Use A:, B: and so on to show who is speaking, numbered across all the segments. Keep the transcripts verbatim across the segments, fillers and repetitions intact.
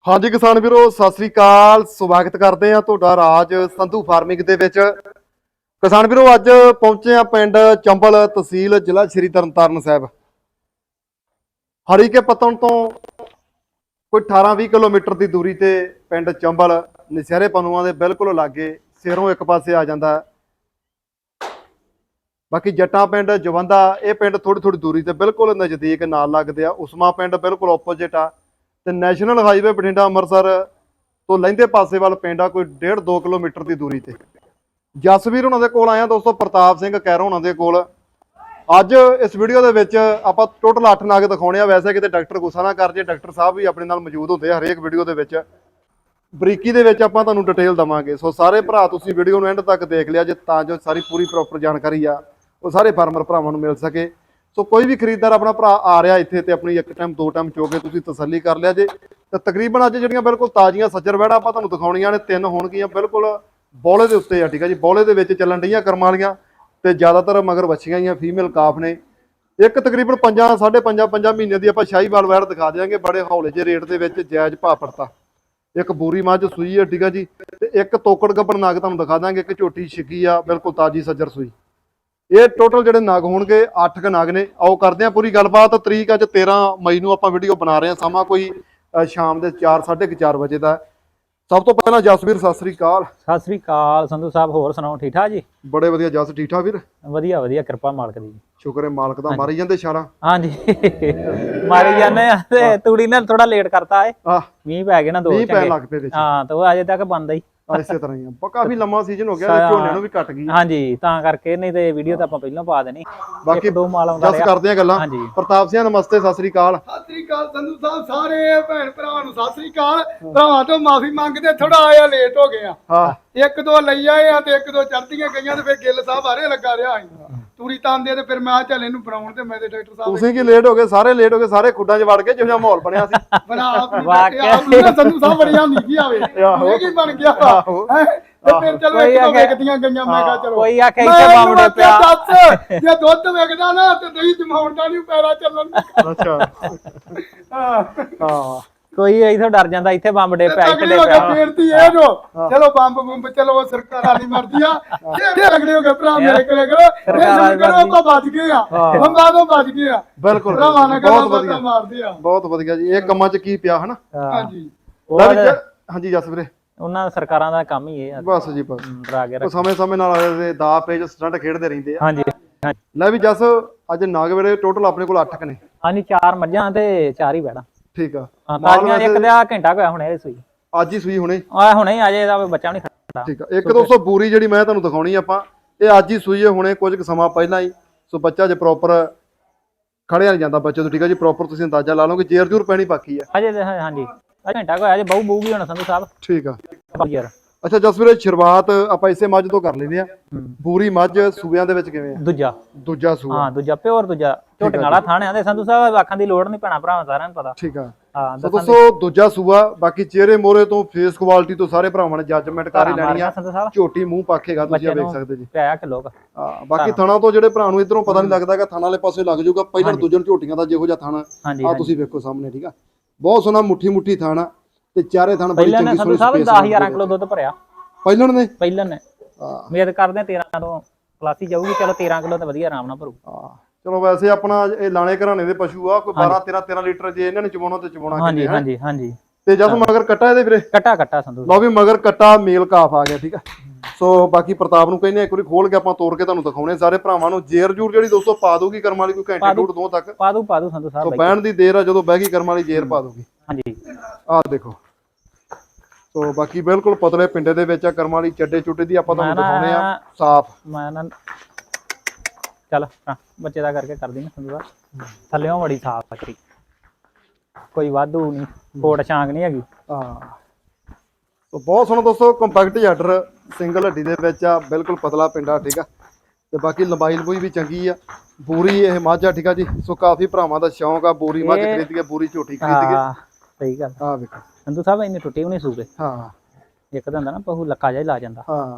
A: हाँ जी किसान वीरो सत श्री अकाल। स्वागत करते हैं तुहाडा राज संधू फार्मिंग दे विच। किसान वीरो अज पहुंचे हैं पिंड चंबल तहसील जिला श्री तरनतारन साहब। हरी के पत्तन तो कोई अठारह बीस किलोमीटर की दूरी ते पिंड चंबल नशहरे पनुआ के बिल्कुल लागे सिरों एक पासे आ जाता है। बाकी जट्टा पिंड जवंदा ये पिंड थोड़ी थोड़ी दूरी ते बिल्कुल नज़दीक नाल लगदे आ। उस्मा पिंड बिल्कुल ओपोजिट आ ते नैशनल हाईवे बठिंडा अमृतसर तो लहिंदे पासे वाल पिंड आ कोई डेढ़ दो किलोमीटर की दूरी ते। जसवीर हुणां दे कोल आया दोस्तों प्रताप सिंह कैरो हुणां दे कोल। अज इस वीडियो दे विच आपां टोटल अठ नग दिखाउणे आ। वैसे किते डॉक्टर गुस्सा ना कर जे, डॉक्टर साहब भी अपने नाल मौजूद हुंदे हरेक वीडियो दे विच। बरीकी दे विच आपां तुहानूं डिटेल देवांगे। सो सारे भरा तुसीं वीडियो नूं एंड तक देख लिया जे तां जो सारी पूरी प्रॉपर जानकारी आ वो सारे फार्मर भरावां नूं मिल सके। सो कोई भी खरीददार अपना भरा आ रहा इत्थे ते अपनी एक टाइम दो टाइम चो के तुसीं तसल्ली कर लिया जे। ते तकरीबन अज जिहड़ियां बिल्कुल ताज़ियां सज्जर वैड़ा आपां तुहानूं दिखाउणीਆਂ ने तीन होणगीਆਂ बिल्कुल बौले दे उत्ते आ। ठीक है जी, बौले दे विच चलन डईਆਂ करम वालीਆਂ ते ज़्यादातर मगर वछियां ही फीमेल काफ ने। एक तकरीबन पंजा साढ़े पंजा पंजा महीने की आपां शाहीवाल वैड़ दिखा देंगे बड़े हौले जे रेट दे विच जायज़ भाव पड़ता। एक बूरी मझ सूई है, ठीक है जी, ते एक तोकड़ गब्बन नग तुहानूं दिखा देंगे, एक झोटी छिकी आ बिल्कुल ताज़ी सज्जर सूई। ये टोटल ਜਿਹੜੇ नग होणगे अठ क नग ने। आओ करते हैं पूरी गलबात। तरीक अज तेरह मई नूं आपां वीडियो बना रहे हैं। समा कोई शाम के चार साढ़े क चार बजे का। सब तो पहला जसवीर सत श्री अकाल।
B: सत श्री अकाल संधू साहब, होर सुनाओ ठीक ठाक जी?
A: बड़े वधिया जस, ठीक ठाक वीर?
B: वधिया वधिया, किरपा मालक दी।
A: शुक्र है मालक दा। मारी जांदे छालां?
B: हाँ जी मारी जाने ते तूड़ी ने थोड़ा लेट करता है। मींह पै गए ना दो
A: मींह पैन लग पे विच।
B: हाँ तो अजे तक बंद ही
A: इसे तरह ही आ। काफी लंबा सीजन हो गया, झोने नूं भी कट गई।
B: हाँ जी तां करके, नहीं ते वीडियो तो आपां पहिलों पा देनी।
A: बाकी
B: दो माल आउंदा
A: जस करदे आ गल्लां।
B: हाँ जी
A: प्रताप सिंह नमस्ते, सत श्री अकाल।
C: सत श्री अकाल संधू साहब, सारे भैन भरावां नूं सत श्री अकाल। भरावां तो माफी मंगदे, थोड़ा आया लेट हो गया।
A: हाँ
C: एक दो लई आए आ ते एक दो चढ़दियां गईयां ते फिर गिल साहब आरे लगा रहा आई तूड़ी तांदे ते फिर मैं चल इहनूं बनाउण ते मैं ते डॉक्टर साहब
A: तुसीं की लेट हो गए, सारे लेट हो गए, सारे खुड्डां च वड़ के जिहो जिहा माहौल बनिया सी।
C: बना आपनी ना संधू साहब बड़ियां नीकी आवे ये की बन गया है ते फिर चलो एक दो वेकदियां गईयां। मैं कहा चलो
B: कोई आखे इत्थे बावड़े पिया
C: दस जे दुੱਧ वेकदा ना ते दही जमाउण दा नहीं पैरा चलन।
A: अच्छा हाँ
B: कोई इथों डर जांदा, इत्थे बंबड़े पिया इत्थे
C: तगड़ी हो गए फेरती है जो चलो बंब बंब चलो वो सरकार वाली मर्जी आ। ये तगड़े हो गए भरा मेरे करे करो सरकार करो को बच गए आ बंबा तो बच गए आ।
A: बिल्कुल
C: भरावां ने
A: बहुत
C: गल्लां
A: वधिया
C: मारदे आ।
A: बहुत वधिया जी। ਇਹ ਕੰਮਾਂ 'ਚ ਕੀ ਪਿਆ ਹਨਾ?
C: हां जी
A: ਲੈ ਵੀ ਹਾਂਜੀ ਜਸ ਵੀਰੇ,
B: ਉਹਨਾਂ ਸਰਕਾਰਾਂ ਦਾ ਕੰਮ ਹੀ ਇਹ ਆ
A: ਬਸ ਜੀ ਬਸ।
B: ਡਰਾ ਕੇ
A: ਉਹ
B: ਰੱਖ।
A: ਸਮੇਂ ਸਮੇਂ ਨਾਲ ਇਹਦੇ ਦਾ ਪੇਜ ਸਟੰਟ ਖੇਡਦੇ ਰਹਿੰਦੇ ਆ।
B: ਹਾਂਜੀ
A: ਲੈ ਵੀ ਜਸ ਅੱਜ ਨਾਗ ਵੇਲੇ ਟੋਟਲ ਆਪਣੇ ਕੋਲ ਅੱਠ ਕ ਨੇ।
B: ਹਾਂਜੀ ਚਾਰ ਮੱਝਾਂ ਤੇ ਚਾਰ ਹੀ ਬੈੜਾ।
A: ਠੀਕ ਆ।
B: ਹਾਂ ਤਾਜ਼ੀਆਂ ਇੱਕ ਤੇ ਆ ਘੰਟਾ ਹੋਇਆ ਹੁਣੇ ਇਹ ਸੂਈ।
A: ਅੱਜ ਹੀ ਸੂਈ ਹੁਣੇ?
B: ਆ ਹੁਣੇ ਹੀ ਅਜੇ ਇਹਦਾ ਬੱਚਾ ਵੀ ਨਹੀਂ ਖੜਾ।
A: ਠੀਕ ਆ। ਇੱਕ ਦੋਸਤੋ ਬੂਰੀ ਜਿਹੜੀ ਮੈਂ ਤੁਹਾਨੂੰ ਦਿਖਾਉਣੀ ਆਪਾਂ, ਇਹ ਅੱਜ ਹੀ ਸੂਈ ਹੈ ਹੁਣੇ ਕੁਝ ਕੁ ਸਮਾਂ ਪਹਿਲਾਂ ਹੀ। ਸੋ ਬੱਚਾ ਜੇ ਪ੍ਰੋਪਰ ਖੜਿਆ ਨਹੀਂ ਜਾਂਦਾ ਬੱਚੇ ਤੋਂ। ਠੀਕ ਆ ਜੀ, ਪ੍ਰੋਪਰ ਤੁਸੀਂ ਅੰਦਾਜ਼ਾ ਲਾ ਲਓਗੇ। ਜੇਰ ਜੂਰ ਪੈਣੀ ਬਾਕੀ ਆ
B: ਅਜੇ ਤੇ ਹਾਂਜੀ ਘੰਟਾ ਹੋਇਆ ਅਜੇ ਬਹੁ ਬੂਗੀ ਹੁਣ ਸੰਧੂ ਸਾਹਿਬ।
A: ਠੀਕ ਆ।
B: ਯਾਰ
A: ਅੱਛਾ ਜਸ ਵੀਰੇ, ਸ਼ੁਰੂਆਤ ਆਪਾਂ ਇਸੇ ਮੱਝ ਤੋਂ ਕਰ ਲੈਂਦੇ ਆ। ਬੂਰੀ ਮੱਝ ਸੂਬਿਆਂ ਦੇ ਵਿੱਚ ਕਿਵੇਂ ਆ?
B: ਦੂਜਾ
A: ਦੂਜਾ ਸੂਆ?
B: ਹਾਂ ਦੂਜਾ ਪਿਓਰ ਦੂਜਾ ਝੋਟੀਆਂ ਵਾਲਾ ਥਾਣਿਆਂ ਦੇ ਸੰਧੂ ਸਾਹਿਬ ਆਖਾਂ ਦੀ ਲੋੜ ਨਹੀਂ ਪੈਣਾ ਭਰਾਵਾਂ ਸਾਰਿਆਂ ਨੂੰ ਪਤਾ।
A: ਠੀਕ ਆ।
B: ਹਾਂ
A: ਸੋ ਦੋਸਤੋ ਦੂਜਾ ਸੂਆ। ਬਾਕੀ ਚਿਹਰੇ ਮੋਰੇ ਤੋਂ ਫੇਸ ਕੁਆਲਿਟੀ ਤੋਂ ਸਾਰੇ ਭਰਾਵਾਂ ਨੇ ਜੱਜਮੈਂਟ ਕਰ ਹੀ ਲੈਣੀ ਆ।
B: ਸੰਧੂ ਸਾਹਿਬ
A: ਝੋਟੀ ਮੂੰਹ ਪਾਖੇਗਾ ਤੁਸੀਂ ਵੇਖ ਸਕਦੇ ਜੀ।
B: ਪਿਆ ਕਿਲੋ ਕਾ।
A: ਹਾਂ ਬਾਕੀ ਥਣਾ ਤੋਂ ਜਿਹੜੇ ਭਰਾ ਨੂੰ ਇਧਰੋਂ ਪਤਾ ਨਹੀਂ ਲੱਗਦਾਗਾ ਥਣਾ ਵਾਲੇ ਪਾਸੇ ਲੱਗ ਜਾਊਗਾ। ਪਹਿਲਾਂ ਦੂਜੇ ਝੋਟੀਆਂ ਦਾ ਜਿਹੋ ਜਿਹਾ ਥਣਾ ਆ ਤੁਸੀਂ ਵੇਖੋ ਸਾਹਮਣੇ। ਠੀਕ ਆ, ਬਹੁਤ ਸੋਹਣਾ ਮੁੱਠੀ ਮੁੱਠੀ ਥਾਣਾ ਤੇ ਚਾਰੇ ਥਣ ਬੜੀ ਚੰਗੀ
B: ਸੰਧੂ ਸਾਹਿਬ ਦਸ ਹਜ਼ਾਰ ਕਿਲੋ ਦੁੱਧ ਭਰਿਆ
A: ਪਹਿਲਾਂ ਨੇ।
B: ਪਹਿਲਾਂ ਨੇ ਉਮੀਦ ਕਰਦੇ ਤੇਰਾਂ ਤੋਂ ਪਲਾਸੀ ਜਾਊਗੀ। ਚਲੋ ਤੇਰਾਂ ਕਿਲੋ ਤਾਂ ਵਧੀਆ ਆਰਾਮ ਨਾਲ ਭਰੂ।
A: ਹਾਂ ਚਲੋ ਵੈਸੇ ਆਪਣਾ ਇਹ ਲਾਣੇ ਘਰਾਣੇ ਦੇ ਪਸ਼ੂ ਆ, ਕੋਈ ਬਾਰਾਂ ਤੇਰਾਂ ਤੇਰਾਂ ਲੀਟਰ ਜੇ ਇਹਨਾਂ ਨੇ ਚਵਾਉਣਾ ਤੇ ਚਵਾਉਣਾ।
B: ਹਾਂਜੀ ਹਾਂਜੀ ਹਾਂਜੀ।
A: ਤੇ ਜਦ ਮਗਰ ਕੱਟਾ ਇਹਦੇ ਵੀਰੇ?
B: ਕੱਟਾ ਕੱਟਾ ਸੰਧੂ
A: ਲਓ ਵੀ ਮਗਰ ਕੱਟਾ ਮੇਲ ਕਾਫ ਆ ਗਿਆ। ਠੀਕ ਆ। ਸੋ ਬਾਕੀ ਪ੍ਰਤਾਪ ਨੂੰ ਕਹਿੰਦੇ ਇੱਕ ਵਾਰੀ ਖੋਲ ਕੇ ਆਪਾਂ ਤੋੜ ਕੇ ਤੁਹਾਨੂੰ ਦਿਖਾਉਣੇ ਸਾਰੇ ਭਰਾਵਾਂ ਨੂੰ। ਜੇਰ ਜੂਰ ਜਿਹੜੀ ਦੋਸਤੋ ਪਾ ਦੂਗੀ ਕਰਮ ਵਾਲੀ ਕੋਈ ਘੰਟੇ ਡੂਢ ਦੋ ਤੱਕ
B: ਪਾ ਦੂ ਪਾ ਦੂ ਸੰਧੂ ਸਾਹਿਬ।
A: ਸੋ ਬਹਿਣ ਦੀ ਦੇਰ ਆ, ਜਦੋਂ ਬਹਿ ਗਈ ਕਰਮ ਵਾਲੀ ਜੇਰ ਪਾ ਦੂਗੀ।
B: ਹਾਂਜੀ
A: ਆਹ ਦੇਖੋ। ਸੋ ਬਾਕੀ ਬਿਲਕੁਲ ਪਤਲੇ ਪਿੰਡੇ ਦੇ ਵਿੱਚ ਆ ਕਰਮ ਵਾਲੀ। ਚੱਡੇ ਚੁੱਡੇ ਦੀ ਆਪਾਂ ਤੁਹਾਨੂੰ ਦਿਖਾਉਣੇ ਆ ਸਾਫ਼।
B: ਮੈਂ ਨਾ ਚੱਲ ਬੱਚੇ ਦਾ ਕਰਕੇ ਕਰਦੀ ਨਾ ਸੰਧੂ ਸਾਹਿਬ। ਥੱਲਿਓਂ ਬੜੀ ਸਾਫ਼ ਬੱਕਰੀ, ਕੋਈ ਵਾਧੂ ਨਹੀਂ, ਕੋਟ ਛਾਂਗ ਨਹੀਂ ਹੈਗੀ।
A: ਹਾਂ ਸੋ ਬਹੁਤ ਸੋਹਣਾ ਦੋਸਤੋ ਕੰਪੈਕਟ ਆਰਡਰ ਸਿੰਗਲ ਹੱਡੀ ਦੇ ਵਿੱਚ ਆ, ਬਿਲਕੁਲ ਪਤਲਾ ਪਿੰਡਾ। ਠੀਕ ਆ। ਤੇ ਬਾਕੀ ਲੰਬਾਈ ਲੰਬੂਈ ਵੀ ਚੰਗੀ ਆ। ਬੂਰੀ ਇਹ ਮੱਝ ਆ। ਠੀਕ ਆ ਜੀ। ਸੋ ਕਾਫੀ ਭਰਾਵਾਂ ਦਾ ਸ਼ੌਂਕ ਆ ਬੂਰੀ ਮੱਝ ਖਰੀਦ ਕੇ, ਬੂਰੀ ਝੋਟੀ ਖਰੀਦ ਕੇ।
B: ਸਹੀ ਗੱਲ।
A: ਆ ਵੇਖੋ
B: ਸੰਧੂ ਸਾਹਿਬ ਇੰਨੀ ਟੁੱਟੀ ਵੀ ਨਹੀਂ ਸੂਰੇ।
A: ਹਾਂ
B: ਇੱਕ ਤਾਂ ਹੁੰਦਾ ਨਾ ਪਹੂ ਲੱਕਾ ਜਿਹਾ ਲਾ ਜਾਂਦਾ।
A: ਹਾਂ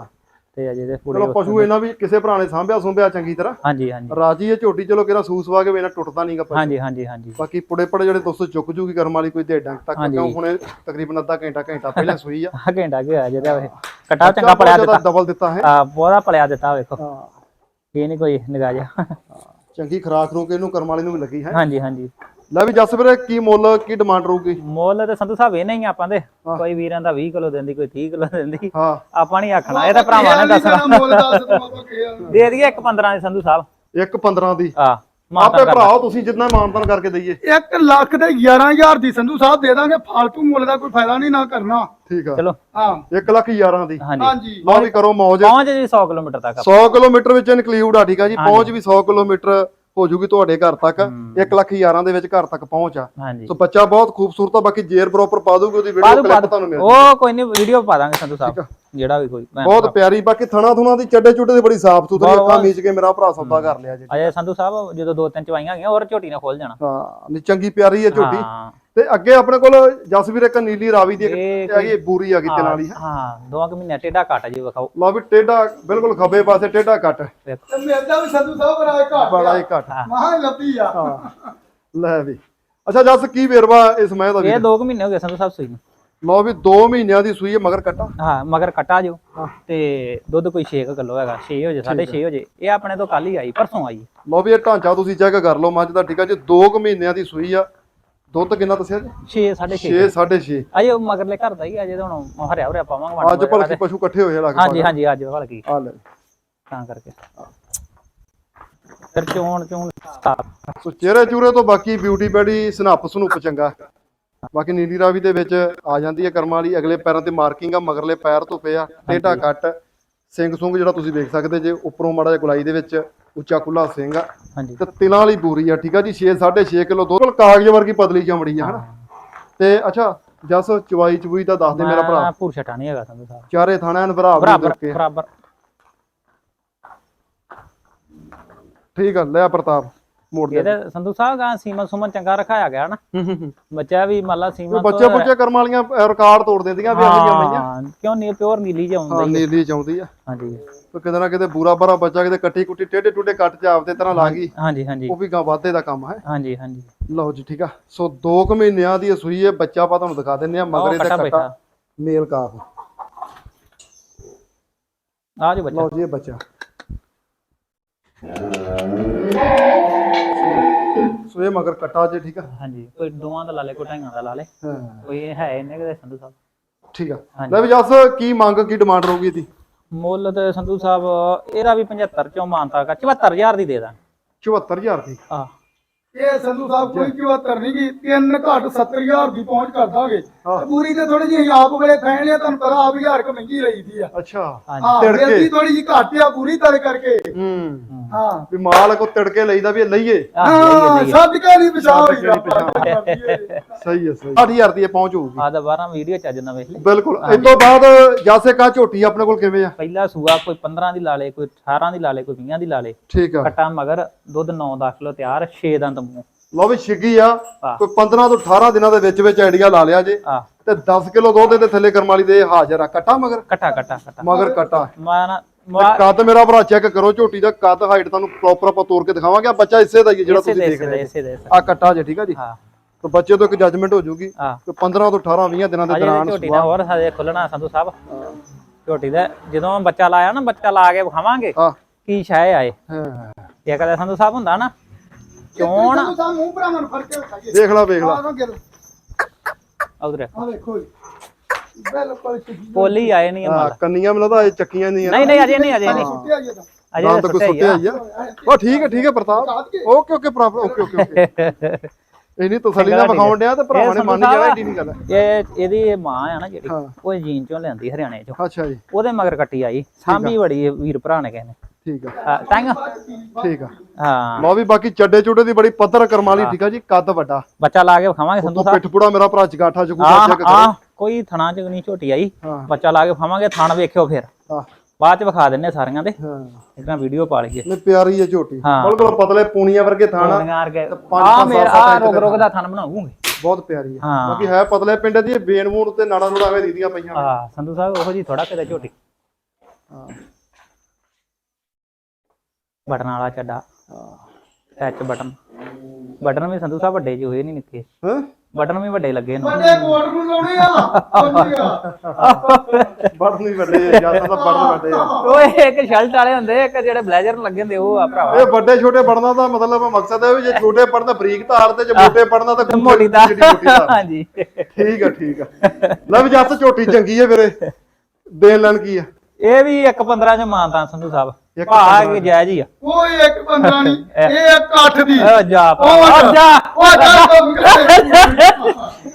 B: ਤੇ ਅਜੇ ਦੇ
A: ਚਲੋ
B: ਪੂਰੇ
A: ਪਸ਼ੂ ਇਹਨਾਂ ਵੀ ਕਿਸੇ ਭਰਾ ਨੇ ਸਾਂਭਿਆ ਸੁੰਭਿਆ ਚੰਗੀ ਤਰ੍ਹਾਂ
B: ਹਾਂਜੀ ਹਾਂਜੀ
A: ਰਾਜੀ ਹੈ ਝੋਟੀ ਚਲੋ ਕਿਹੜਾ ਸੂਸਵਾ ਕੇ ਵੇਨਾ ਟੁੱਟਦਾ ਨਹੀਂਗਾ ਪਸ਼ੂ
B: ਹਾਂਜੀ ਹਾਂਜੀ ਹਾਂਜੀ
A: ਬਾਕੀ ਪੁੜੇ ਪੜੇ ਜਿਹੜੇ ਦੋਸਤੋ ਚੁੱਕ ਜੂਗੀ ਕਰਮ ਵਾਲੀ ਕੋਈ ਦੇ ਡੰਗ ਤੱਕ
B: ਹਾਂਜੀ।
A: ਕਿਉਂ ਹੁਣੇ ਤਕਰੀਬਨ ਅੱਧਾ ਘੰਟਾ ਘੰਟਾ ਪਹਿਲਾਂ ਸੂਈ ਆ
B: ਆ ਘੰਟਾ ਕੀ ਹੋਇਆ ਜਿਹਦਾ ਇਹ ਕਟਾ ਚੰਗਾ ਪਲਿਆ ਦਿੱਤਾ
A: ਡਬਲ ਦਿੱਤਾ ਹੈ
B: ਆ ਬਹੁਤਾ ਪਲਿਆ ਦਿੱਤਾ ਵੇਖੋ
A: ਹਾਂ
B: ਇਹ ਨਹੀਂ ਕੋਈ ਨਿਗਾਹ ਜਿਹਾ
A: ਚੰਗੀ ਖਰਾਕ ਰੂਕ ਇਹਨੂੰ ਕਰਮ ਵਾਲੀ ਨੂੰ ਵੀ ਲੱਗੀ ਹੈ
B: ਹਾਂਜੀ ਹਾਂਜੀ
A: ਲੈ ਵੀ ਜਸ ਵੀਰੇ ਕੀ ਮੁੱਲ ਕੀ ਡਿਮਾਂਡ ਰਹੂਗੀ
B: ਮੁੱਲ ਤੇ ਸੰਧੂ ਸਾਹਿਬ ਇਹ ਨਹੀਂ ਆਪਾਂ ਦੇ ਕੋਈ ਵੀਰਾਂ ਦਾ ਵੀਹ ਕਿਲੋ ਦਿੰਦੀ ਕੋਈ ਤੀਹ ਕਿਲੋ ਦਿੰਦੀ
A: ਹਾਂ
B: ਆਪਾਂ ਨਹੀਂ ਆਖਣਾ ਇਹ ਤਾਂ ਭਰਾਵਾਂ ਨੇ ਦੱਸਣਾ
C: ਮੁੱਲ ਦੱਸ ਦਵਾਂ ਆਪਾਂ ਕਿਹਾ
B: ਦੇ ਦਈਏ ਇੱਕ ਪੰਦਰਾਂ ਦੇ ਸੰਧੂ ਸਾਹਿਬ
A: ਇੱਕ ਪੰਦਰਾਂ ਦੀ
B: ਆ
A: ਆਪੇ ਭਰਾਓ ਤੁਸੀਂ ਜਿੰਨਾ ਮਾਨਤਾਨ ਕਰਕੇ ਦਈਏ
C: ਇੱਕ ਲੱਖ ਤੇ ਗਿਆਰਾਂ ਹਜ਼ਾਰ ਦੀ ਸੰਧੂ ਸਾਹਿਬ ਦੇ ਦਾਂਗੇ ਫਾਲਤੂ ਮੁੱਲ ਦਾ ਕੋਈ ਫਾਇਦਾ ਨਹੀਂ ਨਾ ਕਰਨਾ
A: ਠੀਕ ਆ
B: ਚਲੋ
C: ਹਾਂ
A: ਇੱਕ ਲੱਖ ਗਿਆਰਾਂ ਦੀ
B: ਹਾਂਜੀ
C: ਹਾਂਜੀ
A: ਲਓ ਵੀ ਕਰੋ ਮੌਜ
B: ਪਹੁੰਚ ਜੀ ਸੌ ਕਿਲੋਮੀਟਰ ਤੱਕ
A: ਸੌ ਕਿਲੋਮੀਟਰ ਵਿੱਚ ਇਨਕਲੂਡ ਆ ਠੀਕ ਆ ਜੀ ਪਹੁੰਚ ਵੀ ਸੌ ਕਿਲੋਮੀਟਰ ਹੋ ਜੂਗੀ ਤੁਹਾਡੇ ਘਰ ਤੱਕ ਇੱਕ ਲੱਖ ਗਿਆਰਾਂ ਦੇ ਵਿੱਚ ਘਰ ਤੱਕ ਪਹੁੰਚ ਆ
B: ਹਾਂਜੀ
A: ਸੋ ਬੱਚਾ ਬਹੁਤ ਖੂਬਸੂਰਤ ਆ ਬਾਕੀ ਜੇਰ ਪ੍ਰੋਪਰ ਪਾ ਦੂਗੀ ਉਹਦੀ ਵੀਡੀਓ
B: ਬਾਅਦ
A: ਕਲਿੱਪ
B: ਬਾਅਦ
A: ਤੁਹਾਨੂੰ ਮਿਲ
B: ਉਹ ਕੋਈ ਨਹੀਂ ਵੀਡੀਓ ਪਾ ਦਾਂਗੇ ਸੰਧੂ ਸਾਹਿਬ ਜਿਹੜਾ ਵੀ ਕੋਈ ਭੈਣ
A: ਬਹੁਤ ਪਿਆਰੀ ਬਾਕੀ ਥਣਾ ਥੁਣਾ ਦੀ ਚੱਡੇ ਚੁੱਡੇ ਦੀ ਬੜੀ ਸਾਫ ਸੁਥਰੀ ਅੱਖਾਂ ਮੀਚ ਕੇ ਮੇਰਾ ਭਰਾ ਸੌਦਾ ਕਰ ਲਿਆ ਜੀ
B: ਅਜੇ ਸੰਧੂ ਸਾਹਿਬ ਜਦੋਂ ਦੋ ਤਿੰਨ ਚਵਾਈਆਂ ਗਈਆਂ ਹੋਰ ਝੋਟੀ ਨਾਲ ਖੋਲ ਜਾਣਾ
A: ਹਾਂ ਨੀ ਚੰਗੀ ਪਿਆਰੀ ਹੈ ਝੋਟੀ
B: ਹਾਂ
A: ਤੇ ਅੱਗੇ ਆਪਣੇ ਕੋਲ ਜਸਵੀਰ ਇੱਕ ਨੀਲੀ ਰਾਵੀ ਦੀ ਇੱਕ
B: ਇਹ
A: ਹੈਗੀ ਬੂਰੀ ਆ ਗਈ ਤੇ ਨਾਲ ਹੀ
B: ਹਾਂ ਦੋਵਾਂ ਕੁ ਮਹੀਨੇ ਟੇਡਾ ਘਟ ਜੀ ਵਿਖਾਓ
A: ਲਓ ਵੀ ਟੇਡਾ ਬਿਲਕੁਲ ਖੱਬੇ ਪਾਸੇ ਟੇਡਾ ਕੱਟ
B: ਵੇਖੋ
C: ਤੇ ਮਿਲਦਾ ਵੀ ਸੰਧੂ ਸਾਹਿਬ ਬੜਾ ਘੱਟ
A: ਬੜਾ ਹੀ ਘੱਟ
C: ਮਹਾ ਲੱਭੀ ਆ
A: ਹਾਂ ਲੈ ਵੀ ਅੱਛਾ ਜਸ ਕੀ ਵੇਰਵਾ ਇਸ ਮੈਂ ਦਾ ਵੀ
B: ਇਹ ਦੋ ਕੁ ਮਹੀਨੇ ਹੋ ਗਏ ਸੰਧੂ ਸਾਹਿਬ ਸੂਈ ਨੂੰ
A: ਲਓ ਵੀ ਦੋ ਮਹੀਨਿਆਂ ਦੀ ਸੂਈ ਹੈ ਮਗਰ ਕੱਟਾ
B: ਹਾਂ ਮਗਰ ਕਟਾ ਜੋ ਤੇ ਦੁੱਧ ਕੋਈ ਛੇ ਕਿਲੋ ਹੈਗਾ ਛੇ ਹੋ ਜੇ ਸਾਢੇ ਛੇ ਹੋ ਜੇ ਇਹ ਆਪਣੇ ਤੋਂ ਕੱਲ ਹੀ ਆਈ ਪਰਸੋਂ ਆਈ
A: ਲਓ ਵੀ ਇਹ ਢਾਂਚਾ ਤੁਸੀਂ ਚੈੱਕ ਕਰ ਲਓ ਮੱਝ ਦਾ ਠੀਕ ਆ ਜੀ ਦੋ ਕੁ ਮਹੀਨਿਆਂ ਦੀ ਸੂਈ ਆ ਦੁੱਧ ਕਿੰਨਾ ਦੱਸਿਆ ਜੀ
B: ਛੇ ਸਾਢੇ ਛੇ
A: ਛੇ ਸਾਢੇ ਛੇ
B: ਅਜੇ ਉਹ ਮਗਰਲੇ ਘਰ ਦਾ ਹੀ ਅਜੇ ਤਾਂ ਹੁਣ ਹਰਿਆ ਹਰਿਆ ਪਾਵਾਂਗੇ
A: ਅੱਜ ਭਲਕੀ ਪਸ਼ੂ ਇਕੱਠੇ ਹੋਏ ਲੱਗ
B: ਹਾਂਜੀ ਹਾਂਜੀ ਅੱਜ ਭਲਕੀ
A: ਆ ਲੈ
B: ਤਾਂ ਕਰਕੇ ਫਿਰ ਚੋਣ ਚੋਣ
A: ਸੋ ਚਿਹਰੇ ਚੂਰੇ ਤੋਂ ਬਾਕੀ ਬਿਊਟੀ ਬੈਡੀ ਸਨੱਪ ਸਨੂਪ ਚੰਗਾ ਬਾਕੀ ਨੀਲੀ ਰਾਵੀ ਦੇ ਵਿੱਚ ਆ ਜਾਂਦੀ ਹੈ ਕਰਮਾਂ ਵਾਲੀ ਅਗਲੇ ਪੈਰਾਂ ਤੇ ਮਾਰਕਿੰਗ ਆ ਮਗਰਲੇ ਪੈਰ ਤੋਂ ਪਿਆ ਟੇਢਾ ਕੱਟ ਸਿੰਘ ਸੁੰਗ ਜਿਹੜਾ ਤੁਸੀਂ ਵੇਖ ਸਕਦੇ ਜੇ ਉੱਪਰੋਂ ਮਾੜਾ ਜਿਹਾ ਗੁਲਾਈ ਦੇ ਵਿੱਚ ਉੱਚਾ ਖੁੱਲਾ ਸਿੰਘ ਆ
B: ਹਾਂਜੀ
A: ਤੇ ਤਿਲਾਂ ਵਾਲੀ ਬੂਰੀ ਆ ਠੀਕ ਆ ਜੀ ਛੇ ਸਾਢੇ ਛੇ ਕਿਲੋ ਦੁੱਧ ਕਾਗਜ਼ ਵਰਗੀ ਪਤਲੀ ਚਮੜੀ ਆ ਹਨਾ ਤੇ ਅੱਛਾ ਜਸ ਚਵਾਈ ਚਬੂਈ ਦਾ ਦੱਸ ਦੇ ਮੇਰਾ ਭਰਾ
B: ਪੂਰ ਛਟਾ ਨਹੀਂ ਹੈਗਾ ਸੰਧੂ ਸਾਹਿਬ
A: ਚਾਰੇ ਥਾਣਿਆਂ ਨੂੰ ਬਰਾਬਰ
B: ਬਰਾਬਰ
A: ਕੇ
B: ਬਰਾਬਰ
A: ਠੀਕ ਆ ਲੈ ਪ੍ਰਤਾਪ ਮੋੜ ਦੇ
B: ਇਹਦੇ ਸੰਧੂ ਸਾਹਿਬ ਗਾ ਸੀਮਨ ਸੁਮਨ ਚੰਗਾ ਰਖਾਇਆ ਗਿਆ ਨਾ ਬੱਚਾ ਵੀ ਮੰਨ ਲਾ ਸੀਮਨ
A: ਬੱਚੇ ਬੁੱਚੇ ਕਰਮ ਵਾਲੀਆਂ ਰਿਕਾਰਡ ਤੋੜ ਦਿੰਦੀਆਂ ਵੀ ਆਹੀਆਂ ਮਈਆਂ
B: ਹਾਂ ਕਿਉਂ ਨਹੀਂ ਪਿਓਰ ਨੀਲੀ ਚ ਆਉਂਦਾ
A: ਹਾਂ
B: ਹੀ
A: ਨੀਲੀ ਚਾਉਂਦੀ ਆ
B: ਹਾਂਜੀ
A: ਤੇ ਕਿਤੇ ਨਾ ਕਿਤੇ ਬੂਰਾ ਬਾਰਾ ਬੱਚਾ ਕਿਤੇ ਕੱਟੀ ਕੁੱਟੀ ਟੇਢੇ ਟੁੱਡੇ ਕੱਟ ਚ ਆਪਦੇ ਤਰ੍ਹਾਂ ਲਾ ਗਈ
B: ਹਾਂਜੀ ਹਾਂਜੀ
A: ਉਹ ਵੀ ਗਾ ਵਾਧੇ ਦਾ ਕੰਮ ਹੈ
B: ਹਾਂਜੀ ਹਾਂਜੀ
A: ਲਓ ਜੀ ਠੀਕ ਆ ਸੋ ਦੋ ਕੁ ਮਹੀਨਿਆਂ ਦੀ ਸੂਈ ਹੈ ਬੱਚਾ ਆਪਾਂ ਤੁਹਾਨੂੰ ਦਿਖਾ ਦਿੰਨੇ ਆ ਮਗਰੇ ਤੇ
B: ਕੱਟਾ
A: ਕੱਟਾ
B: ਬੈਠਾ।
A: ਮੇਲ ਕਾਫ
B: ਆ ਜੋ ਬੱਚਾ
A: ਲਓ ਜੀ ਇਹ ਬੱਚਾ ਸੋ ਇਹ ਮਗਰ ਕੱਟਾ ਜੇ ਠੀਕ ਆ
B: ਹਾਂਜੀ ਕੋਈ ਦੋਵਾਂ ਦਾ ਲਾ ਲੇ ਕੋਈ ਢਾਈਆਂ ਦਾ ਲਾ ਲੇ
A: ਹਾਂ
B: ਕੋਈ ਇਹ ਹੈ ਇਹਨੇ ਕਿਤੇ ਸੰਧੂ ਸਾਹਿਬ
A: ਠੀਕ ਆ ਲੈ ਵੀ ਜੱਸ ਕੀ ਮੰਗ ਕੀ ਡਿਮਾਂਡ ਰਹੂਗੀ ਇਹਦੀ
B: ਮੁੱਲ ਤੇ ਸੰਧੂ ਸਾਹਿਬ ਇਹਦਾ ਵੀ ਪਝੱਤਰ ਚੋਂ ਮਾਨਤਾ ਕਰ ਚੁਹੱਤਰ ਹਜ਼ਾਰ ਦੀ ਦੇ ਦਾਂ
A: ਚੁਹੱਤਰ ਹਜ਼ਾਰ ਦੀ
B: ਆ
C: ਇਹ ਸੰਧੂ ਸਾਹਿਬ ਕੋਈ ਕਿਉਂ ਕਰਨੀ ਕੀ ਤਿੰਨ ਘੱਟ ਸੱਤਰ ਹਜ਼ਾਰ ਦੀ ਪਹੁੰਚ ਕਰ ਦਾਂਗੇ ਤੇ ਪੂਰੀ ਤੇ ਥੋੜੀ ਜਿਹੀ ਆਪ ਵੇਲੇ ਫੈਣ ਲਿਆ ਤੁਹਾਨੂੰ ਪਤਾ ਆਪ ਹਜ਼ਾਰ ਕ ਮਹਿੰਗੀ ਲਈਦੀ ਆ
A: ਅੱਛਾ
C: ਹਾਂ
A: ਤਿੜਕੇ।
C: ਬੇਦੀ ਥੋੜੀ ਜਿਹੀ ਘੱਟ ਆ ਪੂਰੀ ਤਰ ਕਰਕੇ
A: ਹੂੰ
C: ਹਾਂ
A: ਵੀ ਮਾਲ ਕੋ ਤਿੜਕੇ ਲਈਦਾ ਵੀ ਇਹ ਲਈਏ
C: ਹਾਂ ਸੱਜ ਕੇ ਨਹੀਂ ਪਛਾਣ
A: ਸੱਜ ਕੇ ਨੀ ਸਹੀ ਹੈ ਸਹੀ ਅੱਠ ਹਜ਼ਾਰ ਦੀ ਇਹ ਪਹੁੰਚ ਹੋਊਗੀ
B: ਆ ਦਾ ਬਾਰਾਂ ਵੀਡੀਓ ਚੱਜ ਨਾ ਵੇਖ ਲੈ
A: ਬਿਲਕੁਲ ਇਸ ਤੋਂ ਬਾਅਦ ਜਾਸੇ ਕਾ ਝੋਟੀ ਆਪਣੇ ਕੋਲ ਕਿਵੇਂ ਆ
B: ਪਹਿਲਾ ਸੂਆ ਕੋਈ ਪੰਦਰਾਂ ਦੀ ਲਾ ਲੇ ਕੋਈ ਅਠਾਰਾਂ ਦੀ ਲਾ ਲੇ ਕੋਈ ਵੀਹਾਂ ਦੀ ਲਾ ਲੇ
A: ਠੀਕ ਆ
B: ਕਟਾ ਮਗਰ ਦੁੱਧ ਨੌ ਦਸ ਕਿਲੋ ਤਿਆਰ ਛੇ ਦੰਦ ਮੂੰਹ
A: ਲਓ ਵੀ ਛਿੱਗੀ ਆ
B: ਹਾਂ।
A: ਕੋਈ ਪੰਦਰਾਂ ਤੋਂ ਅਠਾਰਾਂ ਦਿਨਾਂ ਦੇ ਵਿੱਚ ਵਿੱਚ ਆਈਡੀਆ ਲਾ ਲਿਆ ਜੇ
B: ਆ
A: ਤੇ ਦਸ ਕਿਲੋ ਦੁੱਧ ਦੇ ਥੱਲੇ ਕਰਮ ਵਾਲੀ ਦੇ ਹਾਜ਼ਰ ਆ ਕੱਟਾ ਮਗਰ
B: ਕਟਾ ਕਟਾ ਕਟਾ
A: ਮਗਰ ਕੱਟਾ
B: ਮੈਂ ਨਾ
A: ਤੇ ਕੱਦ ਮੇਰਾ ਭਰਾ ਚੈੱਕ ਕਰੋ ਝੋਟੀ ਦਾ ਕੱਦ ਹਾਈਟ ਤੁਹਾਨੂੰ ਪ੍ਰੋਪਰ ਆਪਾਂ ਤੋੜ ਕੇ ਦਿਖਾਵਾਂਗੇ ਆ ਬੱਚਾ ਇਸੇ ਦਾ ਹੀ ਹੈ ਜਿਹੜਾ
B: ਇਸੇ
A: ਤੁਸੀਂ
B: ਦੇ
A: ਦੇਖ ਰਹੇ
B: ਇਸੇ ਦੇ
A: ਆ ਕੱਟਾ ਜੇ ਠੀਕ ਆ ਜੀ
B: ਹਾਂ
A: ਤੇ ਬੱਚੇ ਤੋਂ ਇੱਕ ਜੱਜਮੈਂਟ ਹੋ ਜਾਊਗੀ
B: ਹਾਂ
A: ਕਿ ਪੰਦਰਾਂ ਤੋਂ ਅਠਾਰਾਂ ਵੀਹ ਦਿਨਾਂ ਦੇ
B: ਅਜੇ
A: ਦੌਰਾਨ
B: ਝੋਟੀ ਦਾ ਹੋਰ ਹਜੇ ਖੁੱਲਣਾ ਸੰਧੂ ਸਾਹਿਬ ਝੋਟੀ ਦਾ ਜਦੋਂ ਬੱਚਾ ਲਾਇਆ ਨਾ ਬੱਚਾ ਲਾ ਕੇ ਵਿਖਾਵਾਂਗੇ
A: ਹਾਂ
B: ਕੀ ਸ਼ਾਇ ਆਏ
A: ਹਾਂ
B: ਇਹ ਕਦੇ ਸੰਧੂ ਸਾਹਿਬ ਹੁੰਦਾ ਨਾ ਚੋਣ
C: ਸੰਧੂ ਸਾਹਿਬ ਮੂੰਹ ਭਰਾਵਾਂ ਨੂੰ ਫੜ ਕੇ ਖਾਈਏ
A: ਦੇਖ ਲਾ ਵੇਖ ਲਾ
C: ਆਹ ਗਿਰ
B: ਉਧਰ
C: ਆ ਵੇਖੋ ਜੀ ਬਿਲਕੁਲ ਸਿੱਧੀ
B: ਪੋਲੀ ਆਏ ਨਹੀਂ
A: ਹਾਂ,
B: ਮਾਲ
A: ਕੰਨੀਆਂ ਮੈਨੂੰ ਲੱਗਦਾ ਇਹ ਚੱਕੀਆਂ ਨਹੀਂ
B: ਨਹੀਂ ਨਹੀਂ ਅਜੇ ਨਹੀਂ ਅਜੇ ਨਹੀਂ
C: ਸੁੱਟਿਆ ਜੀ ਤਾਂ
B: ਅਜੇ
A: ਤਾਂ
B: ਤਾਂ
A: ਕੋਈ
B: ਸੁੱਟਿਆ ਹੀ
A: ਸੁੱਟਿਆ
B: ਆ
A: ਹੀ ਆ ਉਹ ਠੀਕ ਹੈ ਠੀਕ ਹੈ ਪ੍ਰਤਾਪ ਓਕੇ ਓਕੇ ਭਰਾ ਓਕੇ ਓਕੇ ਓਕੇ ਇਹ ਨਹੀਂ ਤਸੱਲੀ ਨਾਲ ਵਿਖਾਉਣ ਡਿਆ ਤੇ ਭਰਾਵਾਂ ਨੇ ਮੰਨ ਜਾਣਾ ਏਡੀ ਨਹੀਂ ਗੱਲ
B: ਇਹ ਇਹਦੀ ਇਹ ਮਾਂ ਆ ਨਾ ਜਿਹੜੀ
A: ਹਾਂ।
B: ਉਹ ਜੀਨ ਚੋਂ ਲਿਆਂਦੀ ਹਰਿਆਣੇ ਚੋਂ
A: ਅੱਛਾ ਜੀ
B: ਉਹਦੇ ਮਗਰ ਕੱਟੀ ਆਈ ਸਾਂਭੀ ਬੜੀ ਇਹ ਵੀਰ ਭਰਾ ਨੇ ਕਹਿੰਦੇ
A: ਠੀਕ ਆ
B: ਟੰਗ
A: ਠੀਕ ਆ
B: ਹਾਂ
A: ਲਓ ਵੀ ਬਾਕੀ ਚੱਡੇ ਚੁੱਡੇ ਦੀ ਬੜੀ ਪੱਧਰ ਕਰਮਾਲੀ ਠੀਕ ਆ ਜੀ ਕੱਦ ਵੱਡਾ
B: ਬੱਚਾ ਲਾ ਕੇ ਵਿਖਾਵਾਂਗੇ ਸੰਧੂ
A: ਉਹ
B: ਸਾਹਿਬ
A: ਪਿੱਠ ਪੁੜਾ ਮੇਰਾ ਭਰਾ ਚਗਾਠਾ ਚਗੂਟਾ
B: ਆ
A: ਚੈੱਕ
B: ਆ
A: ਕਰੋ
B: ਕੋਈ ਥਣਾ ਚ ਨਹੀਂ ਝੋਟੀ ਆਈ
A: ਹਾਂ
B: ਬੱਚਾ ਲਾ ਕੇ ਵਿਖਾਵਾਂਗੇ ਥਣ ਵੇਖਿਓ ਫਿਰ
A: ਹਾਂ
B: ਬਾਅਦ ਚ ਵਿਖਾ ਦਿੰਨੇ ਸਾਰੀਆਂ ਦੇ
A: ਹਾਂ
B: ਇਦਾਂ ਵੀਡੀਓ ਪਾ ਲਈਏ
A: ਨੇ ਪਿਆਰੀ ਹੈ ਝੋਟੀ
B: ਹਾਂ।
A: ਬਿਲਕੁਲ ਪਤਲੇ ਪੂਣੀਆਂ ਵਰਗੇ ਥਾਣਾ
B: ਨਿਗਾਰ ਕੇ
A: ਪੰਜ
B: ਆ
A: ਪੰਜ
B: ਮੇਰਾ
A: ਸੱਤ
B: ਆ
A: ਇੰਚ
B: ਰੁਕ
A: ਦੇ
B: ਰੁਕ ਦਾ ਥਣ ਬਣਾਉਂਗੇ
A: ਬਹੁਤ ਪਿਆਰੀ ਹੈ
B: ਹਾਂ।
A: ਬਾਕੀ ਹੈ ਪਤਲੇ ਪਿੰਡ ਦੀ ਬੇਨ ਮੂਣ ਤੇ ਨਾੜਾ ਨੂੜਾ ਵੇ ਦੀਦੀਆਂ ਪਈਆਂ
B: ਹਾਂ ਸੰਧੂ ਸਾਹਿਬ ਉਹੋ ਜੀ ਥੋੜਾ ਕਿਤੇ ਝੋਟੀ
A: ਹਾਂ
B: ਬਟਨ ਵਾਲਾ ਚੱਡਾ ਟੱਚ ਬਟਨ ਬਟਨ ਵੀ ਸੰਧੂ ਸਾਹਿਬ ਵੱਡੇ ਜਿਹੇ ਹੋਏ ਨਹੀਂ ਨਿੱਕੇ
A: ਹਾਂ
B: ਬਟਨ ਵੀ ਵੱਡੇ ਲੱਗੇ ਨੇ
C: ਵੱਡੇ ਕੋਟ ਨੂੰ ਲਾਉਣੇ ਆ
A: ਬਟਨ ਹੀ ਵੱਡੇ ਆ ਜਾਂ ਤਾਂ ਬਟਨ ਵੱਡੇ ਆ
B: ਓਏ ਇੱਕ ਸ਼ਰਟ ਵਾਲੇ ਹੁੰਦੇ ਇੱਕ ਜਿਹੜੇ ਬਲੇਜ਼ਰ ਨੂੰ ਲੱਗੇ ਹੁੰਦੇ ਉਹ ਆ ਭਰਾਵਾ
A: ਇਹ ਵੱਡੇ ਛੋਟੇ ਬਟਨਾਂ ਦਾ ਮਤਲਬ ਮਕਸਦ ਹੈ ਵੀ ਜੇ ਛੋਟੇ ਬਟਨ ਬਰੀਕ ਤਾਰ ਤੇ ਜੇ ਮੋਟੇ ਬਟਨਾਂ ਤਾਂ
B: ਮੋਟੀ ਦਾ
A: ਜਿਹੜੀ ਮੋਟੀ ਤਾਰ।
B: ਹਾਂਜੀ
A: ਠੀਕ ਆ ਠੀਕ ਆ ਲੈ ਵੀ ਜੱਸ ਝੋਟੀ ਚੰਗੀ ਹੈ ਵੀਰੇ ਦੇਣ ਲੈਣ ਕੀ ਆ
B: ਇਹ ਵੀ ਇੱਕ ਪੰਦਰਾਂ ਚ ਮਾਨਤਾ ਸੰਧੂ ਸਾਹਿਬ
A: ਇੱਕ
B: ਭਾ ਕੇ ਜਾਇਜ਼ ਹੀ ਆ
C: ਕੋਈ ਇੱਕ ਪੰਦਰਾਂ ਨਹੀਂ ਇਹ ਇੱਕ ਅੱਠ ਦੀ
B: ਓ ਜਾ ਭਰਾ,
C: ਉਹ
B: ਓ ਜਾ
C: ਉਹ ਜਾ ਕੰਮ ਕਰ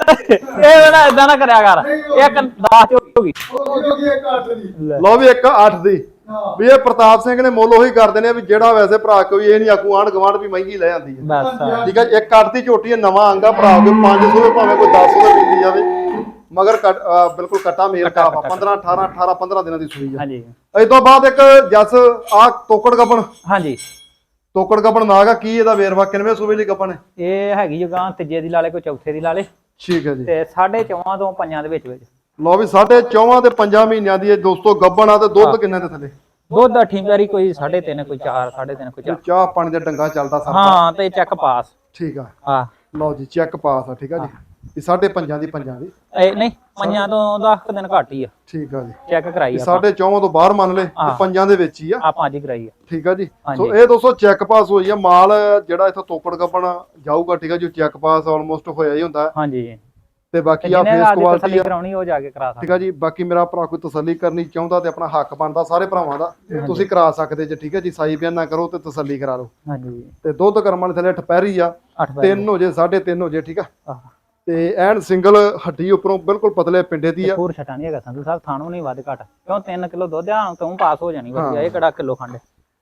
B: ਇਹ ਨਾ ਇਦਾਂ ਨਾ ਕਰਿਆ ਕਰ ਇੱਕ ਦਸ ਚ ਹੋ ਗਈ
C: ਉਹ ਕਿਉਂਕਿ ਇੱਕ ਅੱਠ ਦੀ
A: ਲਓ ਵੀ ਇੱਕ ਅੱਠ ਦੀ
C: ਹਾਂ
A: ਵੀ ਇਹ ਪ੍ਰਤਾਪ ਸਿੰਘ ਨੇ ਮੁੱਲ ਉਹੀ ਕਰਦੇ ਨੇ ਵੀ ਜਿਹੜਾ ਵੈਸੇ ਭਰਾ ਕੋਈ ਇਹ ਨਹੀਂ ਆਖੂ ਆਂਢ ਗਵਾਂਢ ਵੀ ਮਹਿੰਗੀ ਲੈ ਜਾਂਦੀ ਹੈ
B: ਬਸ
A: ਠੀਕ ਹੈ ਇੱਕ ਅੱਠ ਦੀ ਝੋਟੀ ਹੈ ਨਵਾਂ ਆਂਗਾ ਭਰਾ ਕੋਈ ਪੰਜ ਸੌ ਭਾਵੇਂ ਕੋਈ ਦਸ ਸੌ ਦਾ ਪੀਤੀ ਜਾਵੇ ਮਗਰ ਕੱਟ- ਅਹ ਬਿਲਕੁਲ ਕੱਟਾ ਮੇਲ ਕਾਫ ਆ ਪੰਦਰਾਂ ਅਠਾਰਾਂ ਅਠਾਰਾਂ ਪੰਦਰਾਂ ਦਿਨਾਂ ਦੀ ਸੂਈ ਆ
B: ਹਾਂਜੀ
A: ਇਸ ਤੋਂ ਬਾਅਦ ਇੱਕ ਜੱਸ ਆ ਤੋਕੜ ਗੱਪਣ
B: ਹਾਂਜੀ
A: ਤੋਕੜ ਗੱਪਣ ਨਾਗਾ ਕੀ ਇਹਦਾ ਵੇਰਵਾ ਕਿੰਨਵੇਂ ਸੂਬੇ ਦੀ ਗੱਪਣ ਹੈ
B: ਇਹ ਹੈਗੀ ਜਗਾਂ ਤੀਜੇ ਦੀ ਲਾਲੇ ਕੋਈ ਚੌਥੇ ਦੀ ਲਾਲੇ
A: ਠੀਕ ਹੈ ਜੀ
B: ਤੇ ਸਾਢੇ ਚੌਵਾਂ ਤੋਂ ਪੰਜਾਂ ਦੇ ਵਿੱਚ ਵਿੱਚ
A: ਲਓ ਵੀ ਸਾਢੇ ਚੌਵਾਂ ਤੇ ਪੰਜਾਂ ਮਹੀਨਿਆਂ ਦੀ ਇਹ ਦੋਸਤੋ ਗੱਬਣ ਆ ਤੇ ਦੁੱਧ ਕਿੰਨੇ ਦੇ ਥੱਲੇ
B: ਦੁੱਧ ਅੱਠੀ ਵਾਰੀ ਕੋਈ ਸਾਢੇ ਤਿੰਨ ਕੋਈ ਚਾਰ ਸਾਢੇ ਤਿੰਨ ਕੋਈ ਚਾਰ
A: ਚਾਹ ਪਾਣੀ ਦਾ ਡੰਗਾ ਚੱਲਦਾ ਸਰ
B: ਹਾਂ ਤੇ ਚੈੱਕ ਪਾਸ
A: ਠੀਕ ਆ
B: ਹਾਂ
A: ਲਓ ਜੀ ਚੈੱਕ ਪਾਸ ਆ ਠੀਕ ਆ ਜੀ ਇਹ ਸਾਢੇ ਪੰਜਾਂ ਦੀ ਪੰਜਾਂ ਦੀ
B: ਇਹ ਨਹੀਂ ਪੰਜਾਂ ਤੋਂ ਦਸ ਕੁ ਦਿਨ ਘੱਟ ਹੀ ਆ
A: ਠੀਕ ਆ ਜੀ
B: ਚੈੱਕ ਕਰਾਈ
A: ਇਹ
B: ਆ
A: ਸਾਢੇ ਚੌਵਾਂ ਤੋਂ ਬਾਹਰ ਮੰਨ ਲੈ ਤੇ ਪੰਜਾਂ ਦੇ ਵਿੱਚ ਹੀ ਆ
B: ਆਪਾਂ ਅੱਜ ਹੀ ਕਰਾਈ ਆ
A: ਠੀਕ ਆ ਜੀ
B: ਹਾਂਜੀ।
A: ਸੋ ਇਹ ਦੋਸਤੋ ਚੈੱਕ ਪਾਸ ਹੋਈ ਆ ਮਾਲ ਜਿਹੜਾ ਇੱਥੋਂ ਤੋਕੜ ਗੱਪਣ ਜਾਊਗਾ ਠੀਕ ਆ ਜੀ ਚੈੱਕ ਪਾਸ ਆਲਮੋਸਟ ਹੋਇਆ ਹੀ ਹੁੰਦਾ
B: ਹਾਂਜੀ
A: ਤੇ ਬਾਕੀ ਆ
B: ਜਿਹਨੇ
A: ਫੇਸ
B: ਰਾਤ ਦੀ
A: ਕੁਆਲਿਟੀ
B: ਤਸੱਲੀ
A: ਆ
B: ਕਰਾਉਣੀ ਉਹ ਜਾ ਕੇ ਕਰਾ
A: ਠੀਕ
B: ਸਕਦਾ
A: ਆ ਜੀ ਬਾਕੀ ਮੇਰਾ ਭਰਾ ਕੋਈ ਤਸੱਲੀ ਕਰਨੀ ਚਾਹੁੰਦਾ ਤੇ ਆਪਣਾ ਹੱਕ ਬਣਦਾ ਸਾਰੇ ਭਰਾਵਾਂ ਦਾ ਤੁਸੀਂ ਕਰਾ ਸਕਦੇ ਜੇ ਠੀਕ ਹੈ ਜੀ ਸਾਈ ਬਿਆਨ ਨਾ ਕਰੋ ਤੇ ਤਸੱਲੀ ਕਰਾ ਲਓ
B: ਹਾਂਜੀ
A: ਤੇ ਦੁੱਧ ਕਰਮਾਂ ਦੇ ਥੱਲੇ ਠਪੈਰੀ ਆ
B: ਅੱਠ ਵਜੇ
A: ਤਿੰਨ ਹੋ ਜੇ ਸਾਢੇ ਤਿੰਨ ਹੋ ਜੇ ਠੀਕ ਆ
B: ਆਹ
A: ਤੇ ਐਨ ਸਿੰਗਲ ਹੱਡੀ ਉੱਪਰੋਂ ਬਿਲਕੁਲ ਪਤਲੇ ਪਿੰਡੇ ਦੀ ਆ
B: ਹੋਰ ਛਟਾ ਨਹੀਂ ਹੈਗਾ ਸੰਧੂ ਸਾਹਿਬ ਥਾਣੋਂ ਨਹੀਂ ਵੱਧ ਘਟ ਕਿਉਂ ਤਿੰਨ ਕਿਲੋ ਦੁੱਧ ਆ ਤੂੰ ਪਾਸ ਹੋ ਜਾਣੀ ਵਧੀਆ ਇਹ ਕਿਹੜਾ ਕਿਲੋ ਖੰਡ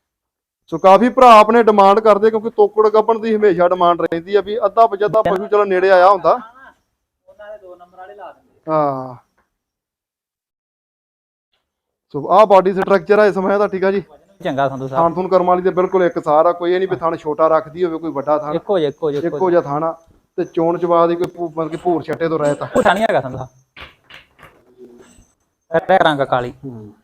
A: ਸੋ ਕਾਫੀ ਭਰਾ ਆਪਣੇ ਡਿਮਾਂਡ ਕਰਦੇ ਕਿਉਂਕਿ ਤੋਕੜ ਗੱਪਣ ਦੀ ਹਮੇਸ਼ਾ ਡਿਮਾਂਡ ਰਹਿੰਦੀ ਆ ਵੀ ਅੱਧਾ ਪਜੱਦਾ ਪਸ਼ੂ ਚਲੋ ਨੇੜੇ ਆਇਆ ਹੁੰਦਾ
B: ਉਹਨਾਂ ਦੇ ਦੋ ਨੰਬਰ ਵਾਲੇ ਲਾ ਦਿੰਦੇ
A: ਹਾਂ ਸੋ ਆਹ ਬਾਡੀ ਸਟਰਕਚਰ ਆ ਇਸ ਸਮੇਂ ਦਾ ਠੀਕ ਆ ਜੀ
B: ਚੰਗਾ ਸੰਧੂ ਸਾਹਿਬ
A: ਥਾਣ ਥੂਣ ਕਰਮ ਵਾਲੀ ਦੇ ਬਿਲਕੁਲ ਇੱਕ ਸਾਰ ਆ ਕੋਈ ਇਹ ਨਹੀਂ ਵੀ ਥਾਣ ਛੋਟਾ ਰੱਖਦੀ ਹੋਵੇ ਕੋਈ ਵੱਡਾ ਥਾਣ
B: ਇੱਕੋ ਜਿਹਾ ਇੱਕੋ ਜਿਹਾ
A: ਇੱਕੋ ਜਿਹਾ ਥਾਣ ਆ ਤੇ ਚੋਣ ਚਵਾ ਦੀ ਕੋਈ ਭੂ- ਮਤਲਬ ਕਿ ਭੂਰ ਛੱਟੇ ਤੋਂ ਰਹਿਤ ਆ
B: ਪੁੱਠਾ ਨਹੀਂ ਹੈਗਾ ਸੰਧੂ ਸਾਹਿਬ ਇਹ ਰੰਗ ਕਾਲੀ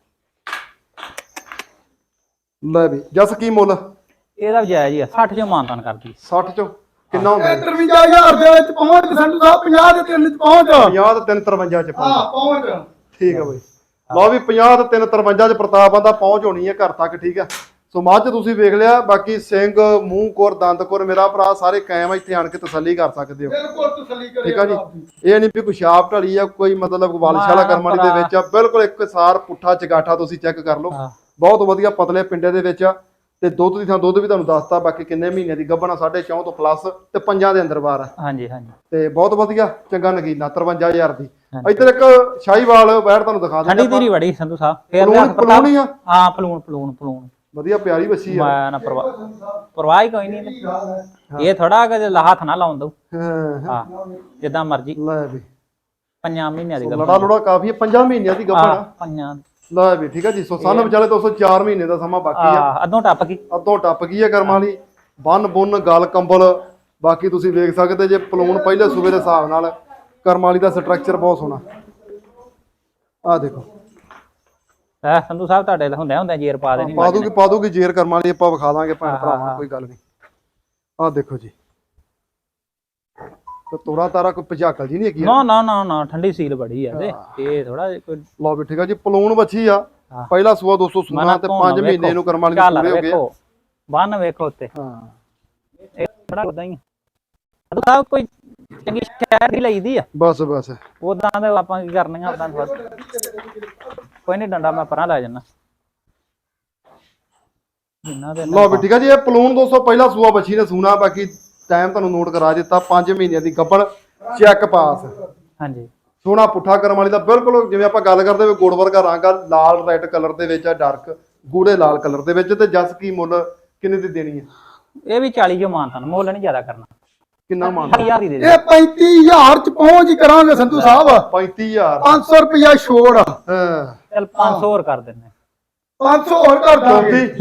A: ਲੈ ਵੀ ਜਸ ਕੀ ਮੁੱਲ
B: ਇਹਦਾ ਜਾਇਜ਼ ਹੀ ਆ ਸੱਠ ਚੋਂ ਮਾਨਤਾਨ ਕਰਦੀ
A: ਸੱਠ ਚੋਂ ਕਿੰਨਾ ਹੁੰਦਾ
C: ਇਹ ਤਰਵੰਜਾ ਹਜ਼ਾਰ ਦੇ ਵਿੱਚ ਪਹੁੰਚ ਸੰਧੂ ਸਾਹਿਬ ਪੰਜਾਹ ਦੇ ਤਿੰਨ ਚ ਪਹੁੰਚ
A: ਪੰਜਾਹ ਤੇ ਤਿੰਨ ਤਰਵੰਜਾ ਚ ਪਹੁੰਚ
C: ਹਾਂ ਪਹੁੰਚ
A: ਠੀਕ ਆ ਬਈ ਲਓ ਵੀ ਪੰਜਾਹ ਤੇ ਤਿੰਨ ਤਰਵੰਜਾ ਚ ਪ੍ਰਤਾਪ ਆਂਦਾ ਪਹੁੰਚ ਹੋਣੀ ਹੈ ਘਰ ਤੱਕ ਠੀਕ ਆ ਸੋ ਮੱਝ ਤੁਸੀਂ ਵੇਖ ਲਿਆ ਬਾਕੀ ਸਿੰਘ ਮੂੰਹ ਕੋਰ ਦੰਦ ਕੋਰ ਮੇਰਾ ਭਰਾ ਸਾਰੇ ਕਾਇਮ ਆ ਇੱਥੇ ਆਣ ਕੇ ਤਸੱਲੀ ਕਰ ਸਕਦੇ ਹੋ
C: ਬਿਲਕੁਲ ਤਸੱਲੀ ਕਰੇ
A: ਠੀਕ ਆ ਜੀ ਇਹ ਨਹੀਂ ਵੀ ਕੋਈ ਛਾਪ ਢਲੀ ਆ ਕੋਈ ਮਤਲਬ ਵਾਲਸ਼ਾਲਾ ਕਰਮਾਲੀ ਦੇ ਵਿੱਚ ਆ ਬਿਲਕੁਲ ਇੱਕ ਸਾਰ ਪੁੱਠਾ ਚਗਾਠਾ ਤੁਸੀਂ ਚੈੱਕ ਕਰ ਲਓ ਬਹੁਤ ਵਧੀਆ ਪਤਲੇ ਪਿੰਡੇ ਦੇ ਵਿੱਚ ਆ ਤੇ ਦੁੱਧ ਦੀ ਥਾਂ ਦੁੱਧ ਵੀ ਤੁਹਾਨੂੰ ਦੱਸਤਾ ਬਾਕੀ ਕਿੰਨੇ ਮਹੀਨੇ ਦੀ ਗੱਭਣਾ ਸਾਢੇ ਚੌਂ ਤੋਂ ਪਲੱਸ ਤੇ ਪੰਜਾਂ ਦੇ ਅੰਦਰ ਬਾਰ ਆ
B: ਹਾਂਜੀ ਹਾਂਜੀ
A: ਤੇ ਬਹੁਤ ਵਧੀਆ ਚੰਗਾ ਨਗੀਨਾ ਤਰਵੰਜਾ ਹਜ਼ਾਰ ਦੀ ਇੱਧਰ ਇੱਕ ਸ਼ਾਹੀਵਾਲ ਬੈਠ ਤੁਹਾਨੂੰ ਦਿਖਾ
B: ਠੰਡੀ
A: ਦਿੰਦੇ
B: ਧੀਰੀ ਬੜੀ ਸੰਧੂ ਸਾਹਿਬ ਫੇਰ
A: ਪਲੂਣ ਪਲੂਣ ਹੀ ਆ
B: ਹਾਂ ਪਲੂਣ ਪਲੂਣ ਪਲੂਣ
A: ਵਧੀਆ ਪਿਆਰੀ ਬੱਚੀ ਆ
B: ਮੈਂ ਨਾ ਪਰਵਾਹ ਪਰਵਾਹ ਹੀ ਕੋਈ ਨਹੀਂ ਇਹ ਥੋੜਾ ਕਿ ਹੱਥ ਨਾ ਲਾਉਣ ਦਊ
A: ਹਾਂ
B: ਹਾਂ ਜਿੱਦਾਂ ਮਰਜੀ
A: ਲੈ ਵੀ
B: ਪੰਜਾਂ ਮਹੀਨਿਆਂ ਦੀ ਗੱਲ
A: ਲੜਾ ਲੜਾ ਕਾਫੀ ਆ ਪੰਜਾਂ ਮਹੀਨਿਆਂ ਦੀ ਗੱਭਣ ਆ
B: ਪੰਜਾਂ
A: ਲੈ ਵੀ ਠੀਕ ਆ ਜੀ ਸੋ ਸਾਨੂੰ ਵਿਚਾਲੇ ਦੋ ਸੌ ਚਾਰ ਮਹੀਨੇ ਦਾ ਸਮਾਂ ਬਾਕੀ ਆ
B: ਆ ਅੱਧੋਂ ਟੱਪ ਗਈ
A: ਅੱਧੋਂ ਟੱਪ ਗਈ ਹੈ ਕਰਮਾਂ ਵਾਲੀ ਬੰਨ ਬੁੰਨ ਗਲ ਕੰਬਲ ਬਾਕੀ ਤੁਸੀਂ ਵੇਖ ਸਕਦੇ ਜੇ ਪਲੂਣ ਪਹਿਲੇ ਸੂਬੇ ਦੇ ਹਿਸਾਬ ਨਾਲ ਕਰਮਾਂ ਵਾਲੀ ਦਾ ਸਟਰਕਚਰ ਬਹੁਤ ਸੋਹਣਾ ਆਹ ਦੇਖੋ
B: ਐ ਸੰਧੂ ਸਾਹਿਬ ਤੁਹਾਡੇ ਹੁੰਦੇ ਹੁੰਦੇ ਜੇਰ ਪਾ ਦੇਣੀ
A: ਪਾ ਦੂਗੀ ਪਾ ਦੂਗੀ ਜੇਰ ਕਰਮਾਂ ਵਾਲੀ ਆਪਾਂ ਵਿਖਾ ਦਾਂਗੇ ਭੈਣ ਭਰਾਵਾਂ ਕੋਈ ਗੱਲ ਨਹੀਂ ਆਹ ਦੇਖੋ ਜੀ ਤੇ ਤੋੜਾ ਤਾਰਾ ਕੋਈ ਭਜਾਕਲ ਜੀ ਨਹੀਂ ਹੈਗੀ
B: ਨਾ ਨਾ ਨਾ ਨਾ ਠੰਡੀ ਸੀਲ ਬੜੀ ਆ ਤੇ ਇਹ ਥੋੜਾ ਕੋਈ
A: ਲਓ ਵੀ ਠੀਕ ਆ ਜੀ ਪਲੂਣ ਵੱਛੀ ਆ ਪਹਿਲਾ ਸੂਆ ਦੋ ਸੌ ਸੋਨਾ ਤੇ ਪੰਜ ਮਹੀਨੇ ਨੂੰ ਕਰਮਾਂ ਵਾਲੀ ਪੂਰੇ ਹੋ ਗਏ
B: ਵੇਖੋ ਬੰਨ ਵੇਖੋ ਉੱਤੇ
A: ਹਾਂ
B: ਇਹ ਥੋੜਾ ਉਦਾਂ ਹੀ ਸੰਧੂ ਸਾਹਿਬ ਕੋਈ ਚੰਗੀ ਸ਼ਹਿਰ ਦੀ ਲਈਦੀ ਆ
A: ਬਸ ਬਸ
B: ਉਦਾਂ ਦੇ ਆਪਾਂ ਕੀ ਕਰਨੀਆਂ ਉਦਾਂ ਕੋਈ ਨਹੀਂ ਡੰਡਾ ਮੈਂ ਪਰਾਂ ਲੈ ਜਾਣਾ ਜਿੰਨਾ ਦੇ
A: ਲਓ ਵੀ ਠੀਕ ਆ ਜੀ ਇਹ ਪਲੂਣ ਦੋ ਸੌ ਪਹਿਲਾ ਸੂਆ ਵੱਛੀ ਨੇ ਸੂਣਾ ਬਾਕੀ ਟਾਈਮ ਤੁਹਾਨੂੰ ਨੋਟ ਕਰਾ ਦਿੱਤਾ ਪੰਜ ਮਹੀਨਿਆਂ ਦੀ ਗੱਭਣ ਚੈੱਕ ਪਾਸ
B: ਹਾਂਜੀ
A: ਸੋਹਣਾ ਪੁੱਠਾ ਕਰਮ ਵਾਲੀ ਦਾ ਬਿਲਕੁਲ ਜਿਵੇਂ ਆਪਾਂ ਗੱਲ ਕਰਦੇ ਹੋਏ ਗੋੜ ਵਰਗਾ ਰੰਗ ਆ ਲਾਲ ਰੈੱਡ ਕਲਰ ਦੇ ਵਿੱਚ ਆ ਡਾਰਕ ਗੂੜੇ ਲਾਲ ਕਲਰ ਦੇ ਵਿੱਚ ਤੇ ਜਸ ਕੀ ਮੁੱਲ ਕਿੰਨੇ ਦੀ ਦੇਣੀ ਹੈ
B: ਇਹ ਵੀ ਚਾਲੀ ਜੋ ਮਾਨਤਾਨ ਮੁੱਲ ਨਹੀਂ ਜ਼ਿਆਦਾ ਕਰਨਾ
A: ਕਿੰਨਾ ਮੰਨ
B: ਹਜ਼ਾਰ ਹੀ ਦੇ ਦੇ
C: ਇਹ ਪੈਂਤੀ ਹਜ਼ਾਰ ਚ ਪਹੁੰਚ ਹੀ ਕਰਾਂਗੇ ਸੰਧੂ ਸਾਹਿਬ
A: ਪੈਂਤੀ ਹਜ਼ਾਰ
C: ਪੰਜ ਸੌ ਰੁਪਇਆ ਛੋੜ
A: ਹਾਂ
B: ਚੱਲ ਪੰਜ ਸੌ ਹੋਰ ਕਰ ਦਿੰਨੇ
C: ਪੰਜ ਸੌ ਹੋਰ ਕਰ ਦਾਂਗੇ
A: ਚੌਂਤੀ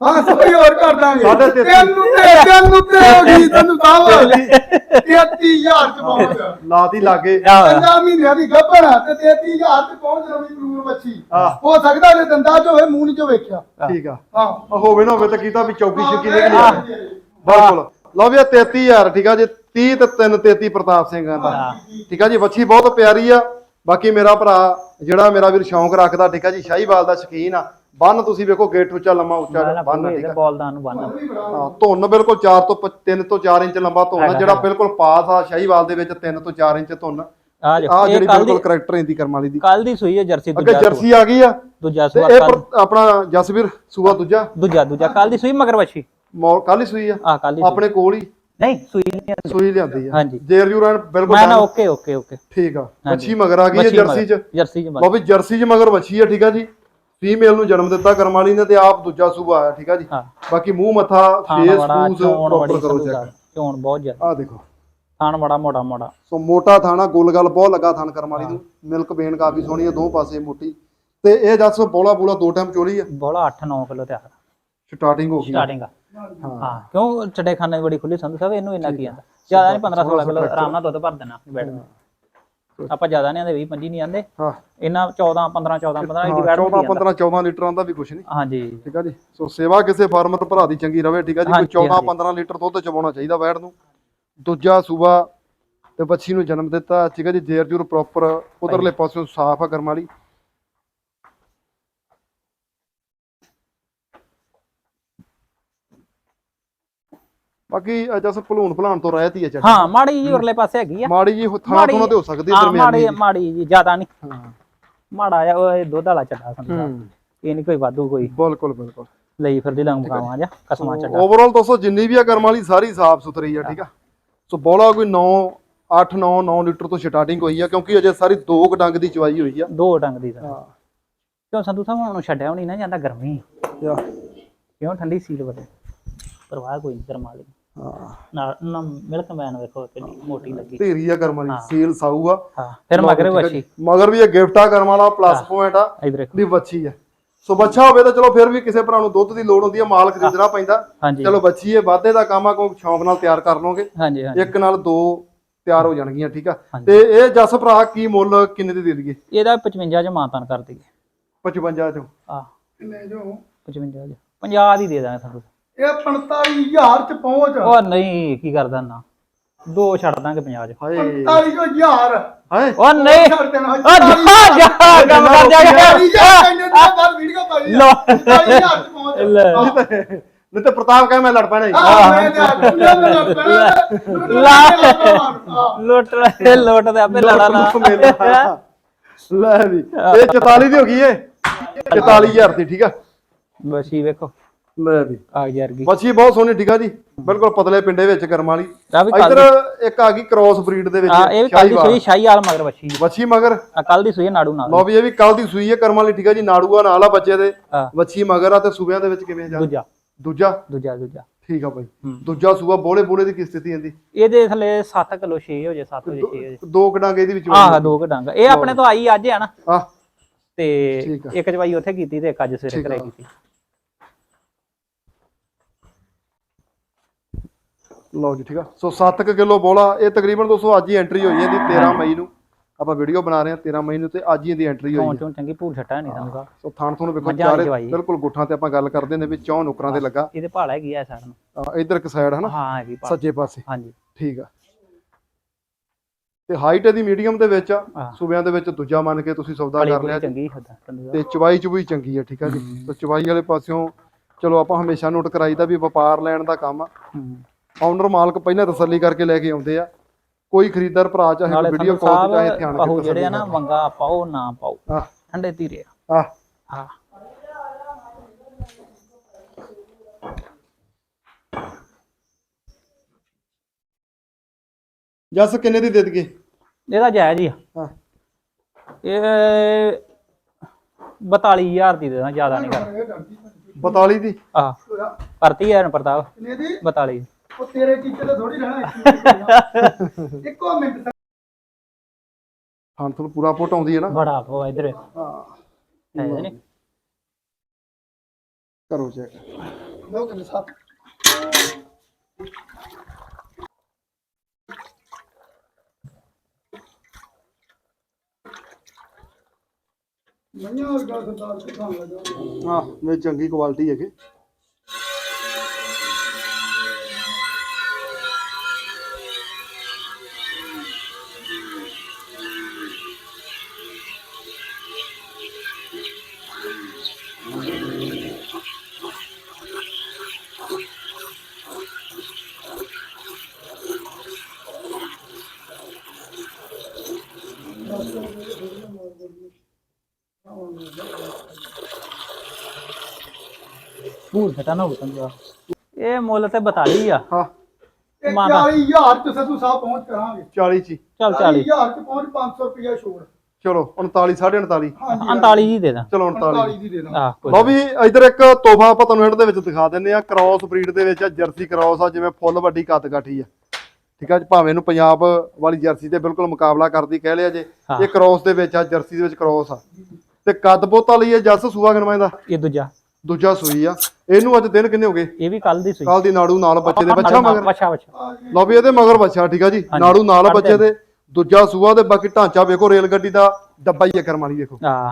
C: ਹਾਂ ਸੋਈ ਹੋਰ ਕਰ ਦਾਂਗੇ
A: ਸਾਢੇ ਤੇਤੀ।
C: ਤੈਨੂੰ ਤੇ ਤੈਨੂੰ ਤੇ ਹੋ ਗਈ ਤੈਨੂੰ ਸਾਹਿਬ ਤੇਤੀ ਹਜ਼ਾਰ ਚ ਪਹੁੰਚ
A: ਲਾਤੀ ਲਾਗੇ
C: ਪੰਜਾਹ ਮਹੀਨਿਆਂ ਦੀ ਗੱਭਣ ਆ ਤੇ ਤੇਤੀ ਹਜ਼ਾਰ ਚ ਪਹੁੰਚ ਰਵੀ ਬਰੂਰ ਮੱਛੀ
A: ਹਾਂ।
C: ਹੋ ਸਕਦਾ ਜੇ ਦੰਦਾ ਚ ਹੋਵੇ ਮੂੰਹ ਨੀ ਚ ਵੇਖਿਆ
A: ਠੀਕ ਆ
C: ਹਾਂ
A: ਆ ਹੋਵੇ ਨਾ ਹੋਵੇ ਤਾਂ ਕੀਤਾ ਵੀ ਚੌਕੀ ਛੱਕੀ ਨਿਕਲੀ
C: ਹਾਂ।
A: ਆ ਬਿਲਕੁਲ ਲਓ ਵੀ ਇਹ ਤੇਤੀ ਹਜ਼ਾਰ ਠੀਕ ਆ ਜੀ ਤੀਹ ਤੇ ਤਿੰਨ ਤੇਤੀ ਪ੍ਰਤਾਪ ਸਿੰਘਾਂ ਦਾ ਠੀਕ ਆ ਜੀ ਵੱਛੀ ਬਹੁਤ ਪਿਆਰੀ ਆ ਬਾਕੀ ਮੇਰਾ ਭਰਾ ਜਿਹੜਾ ਮੇਰਾ ਵੀਰ ਸ਼ੌਂਕ ਰੱਖਦਾ ਠੀਕ ਆ ਜੀ ਸ਼ਾਹੀਵਾਲ ਦਾ ਸ਼ੌਕੀਨ ਆ ਬੰਨ ਤੁਸੀਂ ਵੇਖੋ ਗੇਟ ਉੱਚਾ ਲੰਮਾ ਉੱਚਾ ਬੰਨ ਠੀਕ ਆ
B: ਬੋਲਦਾਨ ਨੂੰ ਬੰਨ
A: ਹਾਂ ਧੁੰਨ ਬਿਲਕੁਲ ਚਾਰ ਤੋਂ ਤਿੰਨ ਤੋਂ ਚਾਰ ਇੰਚ ਲੰਬਾ ਧੁੰਨ ਆ ਜਿਹੜਾ ਬਿਲਕੁਲ ਪਾਸ ਆ ਸ਼ਾਹੀਵਾਲ ਦੇ ਵਿੱਚ ਤਿੰਨ ਤੋਂ ਚਾਰ ਇੰਚ ਧੁੰਨ
B: ਆ ਜੋ
A: ਆ ਜਿਹੜੀ ਬਿਲਕੁਲ ਕਰੈਕਟਰ ਇਹਦੀ ਕਰਮ ਵਾਲੀ ਦੀ
B: ਕੱਲ ਦੀ ਸੂਈ ਹੈ ਜਰਸੀ
A: ਅੱਗੇ
B: ਦੂਜਾ
A: ਜਰਸੀ ਆ ਗਈ ਆ
B: ਦੂਜਾ
A: ਤੇ
B: ਸੂਆ
A: ਇਹ
B: ਕੱਲ
A: ਪਰ- ਆਪਣਾ ਜਸਵੀਰ ਸੂਆ ਦੂਜਾ
B: ਦੂਜਾ ਦੂਜਾ ਕੱਲ ਦੀ ਸੂਈ ਮਗਰ ਵੱਛੀ
A: ਮੌ ਕੱਲ ਹੀ ਸੂਈ ਆ
B: ਆ ਕੱਲ ਦੀ
A: ਆਪਣੇ ਕੋਲ ਹੀ
B: ਨਹੀਂ ਸੂਈ ਨਹੀਂ
A: ਸੂਈ ਲਿਆਂਦੀ ਆ
B: ਹਾਂਜੀ
A: ਜੇਰ ਜੂਰਾਂ ਬਿਲਕੁਲ
B: ਮੈਂ ਨਾ ਓਕੇ ਓਕੇ ਓਕੇ
A: ਠੀਕ ਆ ਵੱਛੀ ਮਗਰ ਆ ਗਈ ਹੈ ਜਰਸੀ ਚ
B: ਜਰਸੀ ਚ
A: ਲਓ ਵੀ ਜਰਸੀ ਚ ਮਗਰ ਵੱਛੀ ਆ ਠੀਕ ਆ ਜੀ ਫੀਮੇਲ ਨੂੰ ਜਨਮ ਦਿੱਤਾ ਕਰਮ ਵਾਲੀ ਨੇ ਤੇ ਆਪ ਦੂਜਾ ਸੂਆ ਆਇਆ ਠੀਕ ਆ ਜੀ
B: ਹਾਂ
A: ਬਾਕੀ ਮੂੰਹ ਮੱਥਾ
B: ਥਾਣ
A: ਫੇਸ
B: ਬੜਾ
A: ਫੂਸ
B: ਚੋਣ
A: ਪ੍ਰੋਪਰ
B: ਬੜੀ
A: ਕਰੋ
B: ਸੰਧੂ
A: ਚੈੱਕ
B: ਚੋਣ ਬਹੁਤ ਜ਼ਿਆਦਾ
A: ਆ ਦੇਖੋ
B: ਥਾਣ ਬੜਾ ਮੋਟਾ ਮੋਟਾ
A: ਸੋ ਮੋਟਾ ਥਾਣਾ ਗੋਲ ਗੱਲ ਬਹੁਤ ਲੱਗਾ ਥਾਣ ਕਰਮ ਵਾਲੀ ਨੂੰ ਮਿਲਕ ਬੇਨ ਕਾਫੀ ਸੋਹਣੀ ਆ ਦੋ ਪਾਸੇ ਮੋਟੀ ਤੇ ਇਹ ਦੱਸ ਬੋਲਾ ਬੋਲਾ ਦੋ ਟਾਈਮ ਚੋਲੀ ਆ
B: ਬੋਲਾ ਅੱਠ ਨੌ ਕਿਲੋ ਤਿਆਰ
A: ਸਟਾਰਟਿੰਗ ਹੋ ਗਈ
B: ਸਟਾਰਟਿੰਗ ਆ
A: ਹਾਂ
B: ਹਾਂ ਕਿਉਂ ਚੜੇ ਖਾਨੇ ਬੜੀ ਖੁੱਲੀ ਸੰਧੂ ਸਾਹਿਬ ਇਹਨੂੰ ਇੰਨਾ ਕੀ ਆਂਦਾ ਜ਼ਿਆਦਾ ਨਹੀਂ ਪੰਦਰਾਂ ਸੋਲਾਂ ਕਿਲੋ ਆਰਾਮ ਨਾਲ ਦੁੱਧ ਭਰ ਦੇਣਾ ਬੈਡ ਆਪਾਂ ਜ਼ਿਆਦਾ ਨਹੀਂ ਆਂਦੇ ਵੀਹ ਪੱਚੀ ਨਹੀਂ ਆਂਦੇ
A: ਹਾਂ
B: ਇਹਨਾਂ ਚੌਦਾਂ ਪੰਦਰਾਂ ਚੌਦਾਂ ਪੰਦਰਾਂ ਦੀ
A: ਹਾਂ,
B: ਬੈਡ
A: ਚੌਦਾਂ ਪੰਦਰਾਂ ਚੌਦਾਂ ਲੀਟਰਾਂ ਦਾ ਵੀ ਕੁਛ ਨਹੀਂ
B: ਹਾਂਜੀ
A: ਠੀਕ ਆ ਜੀ ਸੋ ਸੇਵਾ ਕਿਸੇ ਫਾਰਮਰ ਭਰਾ ਦੀ ਚੰਗੀ ਰਵੇ ਠੀਕ ਆ ਜੀ ਕੋਈ
B: ਹਾਂਜੀ,
A: ਚੌਦਾਂ
B: ਹਾਂਜੀ।
A: ਪੰਦਰਾਂ ਲੀਟਰ ਦੁੱਧ ਚਵਾਉਣਾ ਚਾਹੀਦਾ ਵੈੜ ਨੂੰ ਦੂਜਾ ਸੂਬਾ ਤੇ ਬੱਚੀ ਨੂੰ ਜਨਮ ਦਿੱਤਾ ਠੀਕ ਆ ਜੀ ਜੇਰ ਜੂਰ ਪ੍ਰੋਪਰ ਉਧਰਲੇ ਪਾਸਿਓਂ ਸਾਫ ਆ ਕਰਮ ਵਾਲੀ ਬਾਕੀ ਜਸ ਭਲੂਣ ਭਲਾਣ ਤੋਂ ਰਹਿਤ ਹੀ ਆ ਚੱਲ
B: ਹਾਂ ਮਾੜੀ ਜੀ ਉਰਲੇ ਪਾਸੇ ਹੈਗੀ ਆ
A: ਮਾੜੀ ਜੀ ਥਾਂ ਥੋਣਾ ਤੇ ਹੋ ਸਕਦੀ
B: ਹਾਂ
A: ਦਰਮਿਆਨੀ
B: ਮਾੜੀ
A: ਜੀ।
B: ਮਾੜੀ ਜੀ ਜ਼ਿਆਦਾ ਨਹੀਂ
A: ਹਾਂ
B: ਮਾੜਾ ਆ ਉਹ ਇਹ ਦੁੱਧ ਵਾਲਾ ਚੱਡਾ ਸੰਧੂ ਸਾਹਿਬ
A: ਹੂੰ
B: ਇਹ ਨਹੀਂ ਕੋਈ ਵਾਧੂ ਕੋਈ
A: ਬਿਲਕੁਲ ਬਿਲਕੁਲ
B: ਲਈ ਫਿਰਦੀ ਲੰਗ ਕਾਵਾਂ ਜਾਂ ਕਸਮਾਂ ਚੱਡਾ
A: ਓਵਰਆਲ ਦੋਸਤੋ ਜਿੰਨੀ ਵੀ ਆ ਕਰਮ ਵਾਲੀ ਸਾਰੀ ਸਾਫ ਸੁਥਰੀ ਆ ਠੀਕ ਆ ਸੋ ਬੋਲਾ ਕੋਈ ਨੌ ਅੱਠ ਨੌ ਨੌ ਲੀਟਰ ਤੋਂ ਸਟਾਰਟਿੰਗ ਹੋਈ ਆ ਕਿਉਂਕਿ ਅਜੇ ਸਾਰੀ ਦੋ ਕੁ ਡੰਗ ਦੀ ਚਵਾਈ ਹੋਈ ਆ
B: ਦੋ ਡੰਗ ਦੀ ਤਾਂ
A: ਹਾਂ
B: ਕਿਉਂ ਸੰਧੂ ਸਾਹਿਬ ਹੁਣ ਛੱਡਿਆ ਹੋਣੀ ਨਾ ਜਾਂਦਾ ਗਰਮੀ
A: ਯਾ,
B: ਕਿਉਂ ਠੰਡੀ ਸੀਲ ਬੜੇ ਪਰਵਾਹ ਕੋਈ ਨਹੀਂ ਗਰਮਾ ਲਈ
A: ਹਾਂ
B: ਨਾਲ ਨਾ ਮਿਲਕ ਮੈਨ ਵੇਖੋ ਕਿੰਨੀ ਮੋਟੀ ਲੱਗੀ
A: ਢੇਰੀ ਆ ਕਰਮ ਵਾਲੀ ਸੀਲ ਸਾਊ ਆ
B: ਹਾਂ ਫਿਰ ਮਗਰ ਵੱਛੀ
A: ਮਗਰ ਵੀ ਇਹ ਗਿਫਟ ਆ ਕਰਮ ਵਾਲਾ ਪਲੱਸ ਪੁਆਇੰਟ ਆ
B: ਇਧਰ ਦੇਖੋ
A: ਵੀ ਵੱਛੀ ਆ ਸੋ ਬੱਚਾ ਹੋਵੇ ਤਾਂ ਚਲੋ ਫਿਰ ਵੀ ਕਿਸੇ ਭਰਾ ਨੂੰ ਦੁੱਧ ਦੀ ਲੋੜ ਹੁੰਦੀ ਆ ਮਾਲ ਖਰੀਦਣਾ ਪੈਂਦਾ
B: ਹਾਂਜੀ
A: ਚਲੋ ਬੱਚੀ ਇਹ ਵਾਧੇ ਦਾ ਕੰਮ ਆ ਕੋਈ ਸ਼ੌਂਕ ਨਾਲ ਤਿਆਰ ਕਰ ਲਓਗੇ
B: ਹਾਂਜੀ ਹਾਂਜੀ
A: ਇੱਕ ਨਾਲ ਦੋ ਤਿਆਰ ਹੋ ਜਾਣਗੀਆਂ ਠੀਕ ਆ
B: ਹਾਂਜੀ।
A: ਤੇ ਇਹ ਜਸ ਭਰਾ ਕੀ ਮੁੱਲ ਕਿੰਨੇ ਦੀ ਦੇ ਦਈਏ
B: ਇਹਦਾ ਪਚਵੰਜਾ ਚ ਮਾਨਤਾਨ ਕਰ ਦਈਏ
A: ਪਚਵੰਜਾ ਚੋਂ
B: ਆ
C: ਕਿੰਨੇ ਜੋ
B: ਪਚਵੰਜਾ ਚ ਪੰਜਾਹ ਦੀ ਦੇ ਦਾਂਗੇ ਤੁਹਾਨੂੰ
C: ਇਹ ਪੰਤਾਲੀ ਹਜ਼ਾਰ ਚ ਪਹੁੰਚ
B: ਉਹ ਨਹੀਂ ਕੀ ਕਰਦਾ ਨਾ ਦੋ ਛੱਡ ਦਾਂਗੇ ਪੰਜਾਹ ਚ
A: ਹਾਏ
C: ਪੰਤਾਲੀ ਹਜ਼ਾਰ
A: ਹਾਏ
B: ਉਹ ਨਹੀਂ
C: ਛੱਡ ਦੇਣਾ
B: ਉਹ ਜਾ ਜਾ ਕੰਮ ਕਰ ਜਾ
C: ਪੰਤਾਲੀ ਹਜ਼ਾਰ ਇੰਨੇ ਦਿਨਾਂ ਬਾਅਦ ਵੀਡੀਓ ਪਾਈ ਆ
B: ਲੋ।
C: ਪੰਤਾਲੀ ਹਜ਼ਾਰ ਚ ਪਹੁੰਚ
B: ਲੈ।
C: ਹਾਂ।
A: ਨਹੀਂ ਤੇ ਪ੍ਰਤਾਪ ਕਹੇ ਮੈਂ ਲੜ ਪੈਣਾ ਹੀ
C: ਆਹ, ਮੈਂ ਤੇ ਆਖਿਆ ਮੈਂ ਲੜ ਪੈਣਾ।
B: ਲਾ। ਲੁੱਟ ਲੈ ਲੁੱਟ ਦੇ ਆਪੇ ਲੜਾ ਲਾ
A: ਲੈ ਵੀ ਇਹ ਚੁਤਾਲੀ ਦੀ ਹੋ ਗਈ ਏ ਚੁਤਾਲੀ ਹਜ਼ਾਰ ਦੀ ਠੀਕ ਆ
B: ਬਸੀ ਵੇਖੋ
A: ਲੈ ਵੀ
B: ਆ ਯਾਰ ਗਈ
A: ਬੱਚੀ ਬਹੁਤ ਸੋਹਣੀ ਠੀਕ ਆ ਜੀ ਬਿਲਕੁਲ ਪਤਲੇ ਪਿੰਡੇ ਵਿੱਚ ਕਰਮ ਵਾਲੀ
B: ਆ ਵੀ ਕੱਲ
A: ਇੱਧਰ ਇੱਕ ਆ ਗਈ ਕ੍ਰੋਸ ਬਰੀਡ ਦੇ ਵਿੱਚ
B: ਆ ਇਹ ਵੀ ਕੱਲ ਦੀ ਸੂਈ ਸ਼ਾਹੀ ਆਲ ਮਗਰ ਬੱਚੀ
A: ਬੱਚੀ ਮਗਰ
B: ਆ ਕੱਲ ਦੀ ਸੂਈ ਨਾੜੂ ਨਾਲ
A: ਲੋ ਵੀ ਇਹ ਵੀ ਕੱਲ ਦੀ ਸੂਈ ਹੈ ਕਰਮ ਵਾਲੀ ਠੀਕ ਆ ਜੀ ਨਾੜੂਆ ਨਾਲ ਆ ਬੱਚੇ ਦੇ
B: ਹਾਂ।
A: ਬੱਚੀ ਮਗਰ ਆ ਤੇ ਸੂਬਿਆਂ ਦੇ ਵਿੱਚ ਕਿਵੇਂ ਜਾ
B: ਦੂਜਾ
A: ਦੂਜਾ
B: ਦੂਜਾ ਦੂਜਾ
A: ਠੀਕ ਆ ਬਾਈ
B: ਹੂੰ।
A: ਦੂਜਾ ਸੂਬਾ ਬੋਲੇ ਬੋਲੇ ਦੀ ਕੀ ਸਥਿਤੀ ਆਂਦੀ
B: ਇਹਦੇ ਥੱਲੇ ਸੱਤ ਕਿਲੋ ਛੇ ਹੋ ਜੇ ਸੱਤ ਹੋ ਜੇ ਛੇ ਹੋ ਜੇ
A: ਦੋ ਕਡਾਂਗੇ ਇਹਦੇ ਵਿੱਚ
B: ਆਹ ਦੋ ਕੁ ਡੰਗ ਇਹ ਆਪਣੇ ਤੋਂ ਆਈ ਅੱਜ ਆ ਨਾ
A: ਆ
B: ਤੇ
A: ਠੀਕ ਆ।
B: ਇੱਕ ਚਵਾਈ ਉੱਥੇ ਕੀਤੀ ਤੇ ਇੱਕ ਅੱਜ ਸਵੇਰੇ
A: ਠੀਕ ਆ।
B: ਘਰੇ ਕੀਤੀ
A: ਲਓ ਜੀ ਠੀਕ ਆ ਸੋ ਸੱਤ ਕਿਲੋ ਬੋਲਾ ਇਹ ਤਕਰੀਬਨ ਦੋਸਤੋ ਅੱਜ ਹੀ ਐਂਟਰੀ ਹੋਈ ਹੈ ਇਹਦੀ ਤੇਰਾਂ ਮਈ ਨੂੰ ਆਪਾਂ ਵੀਡੀਓ ਬਣਾ ਰਹੇ ਹਾਂ ਤੇਰਾਂ ਮਈ ਨੂੰ ਤੇ ਅੱਜ ਹੀ ਇਹਦੀ ਐਂਟਰੀ ਹੋਈ
B: ਚੋਂ
A: ਹੈ
B: ਚੋਂ ਚੰਗੀ ਭੂਰ ਛੱਟਾ ਨਹੀਂ ਸਮਝਦਾ
A: ਸੋ ਥਾਣ ਥੋਂ ਵੇਖੋ
B: ਮੱਝਾਂ ਵਾਲੀ
A: ਚਾਰੇ
B: ਚਵਾਈ।
A: ਬਿਲਕੁਲ ਗੁੱਠਾਂ ਤੇ ਆਪਾਂ ਗੱਲ ਕਰਦੇ ਨੇ ਵੀ ਚੌਂ ਨੁਕਰਾਂ ਤੇ ਲੱਗਾ
B: ਇਹਦੇ ਭਾਲ ਹੈਗੀ ਆ ਸਾਡਾ ਨੂੰ
A: ਆ, ਇੱਧਰ ਇੱਕ ਸਾਈਡ ਹਨਾ
B: ਹਾਂ ਹੈਗੀ ਭਾਲ
A: ਸੱਜੇ ਪਾਸੇ
B: ਹਾਂਜੀ
A: ਠੀਕ ਆ ਤੇ ਹਾਈਟ ਇਹਦੀ ਮੀਡੀਅਮ ਦੇ ਵਿੱਚ ਆ
B: ਹਾਂ।
A: ਸੂਬਿਆਂ ਦੇ ਵਿੱਚ ਦੂਜਾ ਮੰਨ ਕੇ ਤੁਸੀਂ ਸੌਦਾ
B: ਬੜੀ
A: ਕਰ
B: ਬੜੀ
A: ਲਿਆ ਜੀ।
B: ਚੰਗੀ ਹੁੰਦਾ ਸੰਧੂ
A: ਤੇ ਚਵਾਈ ਚੁਬਈ ਚੰਗੀ ਆ ਠੀਕ ਆ ਜੀ ਤੇ ਚਵਾਈ ਵਾਲੇ ਪਾਸਿਓਂ ਚਲੋ ਆਪਾਂ ਹਮੇਸ਼ਾ ਨੋਟ ਕਰਾਈਦਾ ਵੀ ਵਪਾਰ ਲੈਣ ਦਾ ਕੰਮ ਆ
B: ਹੂੰ
A: ਆਨਰ ਮਾਲਕ ਪਹਿਲਾਂ ਤਸੱਲੀ ਕਰਕੇ ਲੈ ਕੇ ਆਉਂਦੇ ਆ ਕੋਈ ਖਰੀਦਦਾਰ ਭਰਾ ਚਾਹੇ
B: ਨਾਲੇ
A: ਵੀਡੀਓ
B: ਸੰਧੂ
A: ਕਾਲ ਤੇ ਚਾਹੇ
B: ਸਾਹਿਬ
A: ਧਿਆਨ
B: ਪਾਹੂ
A: ਕੇ
B: ਜਿਹੜੇ ਆ
A: ਤਸੱਲੀ
B: ਨਾ ਮੰਗਾ ਪਾਓ ਨਾ ਪਾਓ
A: ਆ
B: ਠੰਡੇ ਧੀਰੇ
A: ਆ
B: ਹਾਂ
A: ਜੱਸ ਕਿੰਨੇ ਦੀ ਦੇ ਦਈਏ
B: ਇਹਦਾ ਜਾਇਜ਼ ਹੀ ਆ
A: ਹਾਂ
B: ਇਹ ਬਤਾਲੀ ਹਜ਼ਾਰ ਦੀ ਦੇ ਦਾਂ ਜ਼ਿਆਦਾ ਨਹੀਂ ਕਰ
A: ਬਤਾਲੀ ਦੀ
B: ਆ ਕਰਤੀ ਹੈ ਪ੍ਰਤਾਪ
C: ਕਿੰਨੇ ਦੀ
B: ਬਤਾਲੀ
C: ਉਹ ਤੇਰੇ ਟੀਚੇ ਤੇ ਥੋੜੀ ਰਹਿਣਾ ਇੱਕੋ ਮਿੰਟ
A: ਹਾਂ ਤੁਹਾਨੂੰ ਪੂਰਾ ਫੋਟ ਆਉਂਦੀ ਹੈ ਨਾ
B: ਬੜਾ ਉਹ ਇਧਰ
A: ਹਾਂ
B: ਹੈ ਨਹੀਂ
A: ਕਰੋ ਚੈੱਕ
C: ਲੋ ਕਿੰਨੇ ਸਾਥ ਮਈਆਂ ਵਰਗਾ ਸਰਦਾਰ ਕਿਥਾਂ ਲੱਗਾ
A: ਹਾਂ ਇਹ ਚੰਗੀ ਕੁਆਲਿਟੀ ਹੈਗੇ।
B: ਭੂਰ ਛਟਾ ਨਾ ਹੋ ਸੰਧੂ ਇਹ ਮੁੱਲ ਤੇ ਬਤਾਲੀ ਆ।
A: ਹਾਂ
C: ਇਹ
B: ਮਾਤਾ।
C: ਚਾਲੀ ਹਜ਼ਾਰ ਚ ਸੰਧੂ ਸਾਹਿਬ ਪਹੁੰਚ ਕਰਾਂਗੇ।
A: ਚਾਲੀ ਚ ਹੀ।
B: ਚੱਲ
C: ਚਾਲੀ
B: ਚਾਲੀ
C: ਹਜ਼ਾਰ ਚ ਪਹੁੰਚ ਪੰਜ ਸੌ ਰੁਪਇਆ ਛੋੜ।
A: ਚਲੋ ਉਨਤਾਲੀ ਸਾਢੇ ਉਨਤਾਲੀ
C: ਹਾਂਜੀ
B: ਉਨਤਾਲੀ ਜੀ ਦੇ ਦਾਂ।
A: ਚਲੋ ਉਨਤਾਲੀ
C: ਉਨਤਾਲੀ ਦੀ ਦੇ ਦਾਂ।
B: ਆਹ ਕੋਈ
A: ਲਓ ਵੀ ਇਧਰ ਇੱਕ ਤੋਹਫਾ ਆਪਾਂ ਤੁਹਾਨੂੰ ਹਿੰਟ ਦੇ ਵਿੱਚ ਦਿਖਾ ਦਿੰਨੇ ਆ। ਕ੍ਰਾਸ ਬਰੀਡ ਦੇ ਵਿੱਚ ਆ, ਜਰਸੀ ਕ੍ਰਾਸ ਆ, ਜਿਵੇਂ ਫੁੱਲ ਵੱਡੀ ਕੱਦ ਕਾਠੀ ਆ। ਠੀਕ ਆ ਜੀ, ਭਾਵੇਂ ਇਹਨੂੰ ਪੰਜਾਬ ਵਾਲੀ ਜਰਸੀ ਤੇ ਬਿਲਕੁਲ ਮੁਕਾਬਲਾ ਕਰਦੀ ਕਹਿ ਲਿਆ ਜੇ।
B: ਹਾਂ।
A: ਇਹ ਕ੍ਰਾਸ ਦੇ ਵਿੱਚ ਆ, ਜਰਸੀ ਦੇ ਵਿੱਚ ਕ੍ਰਾਸ ਆ ਤੇ ਕੱਦ ਬੋਤਾ ਲਈ ਇਹ ਜੱਸ ਸੂਆ ਗਣਵਾਂ ਦਾ
B: ਇਹ ਦੂਜਾ
A: ਦੂਜਾ ਸੂਈ ਆ। ਇਹਨੂੰ ਅੱਜ ਦਿਨ ਕਿੰਨੇ ਹੋ ਗਏ?
B: ਇਹ ਵੀ ਕੱਲ ਦੀ ਸੂਈ।
A: ਕੱਲ ਦੀ ਨਾੜੂ ਨਾਲ ਬੱਚੇ ਦੇ ਬੱਚਾ ਮਗਰ।
B: ਬੱਚਾ ਬੱਚਾ
A: ਲਓ ਵੀ ਇਹਦੇ ਮਗਰ ਬੱਚਾ। ਠੀਕ ਆ ਜੀ,
B: ਹਾਂਜੀ।
A: ਨਾੜੂ ਨਾਲ ਬੱਚੇ ਦੇ, ਦੂਜਾ ਸੂਆ ਦੇ। ਬਾਕੀ ਢਾਂਚਾ ਵੇਖੋ ਰੇਲ ਗੱਡੀ ਦਾ, ਡੱਬਾ ਹੀ ਆ ਕਰਮ ਵਾਲੀ ਵੇਖੋ।
B: ਆ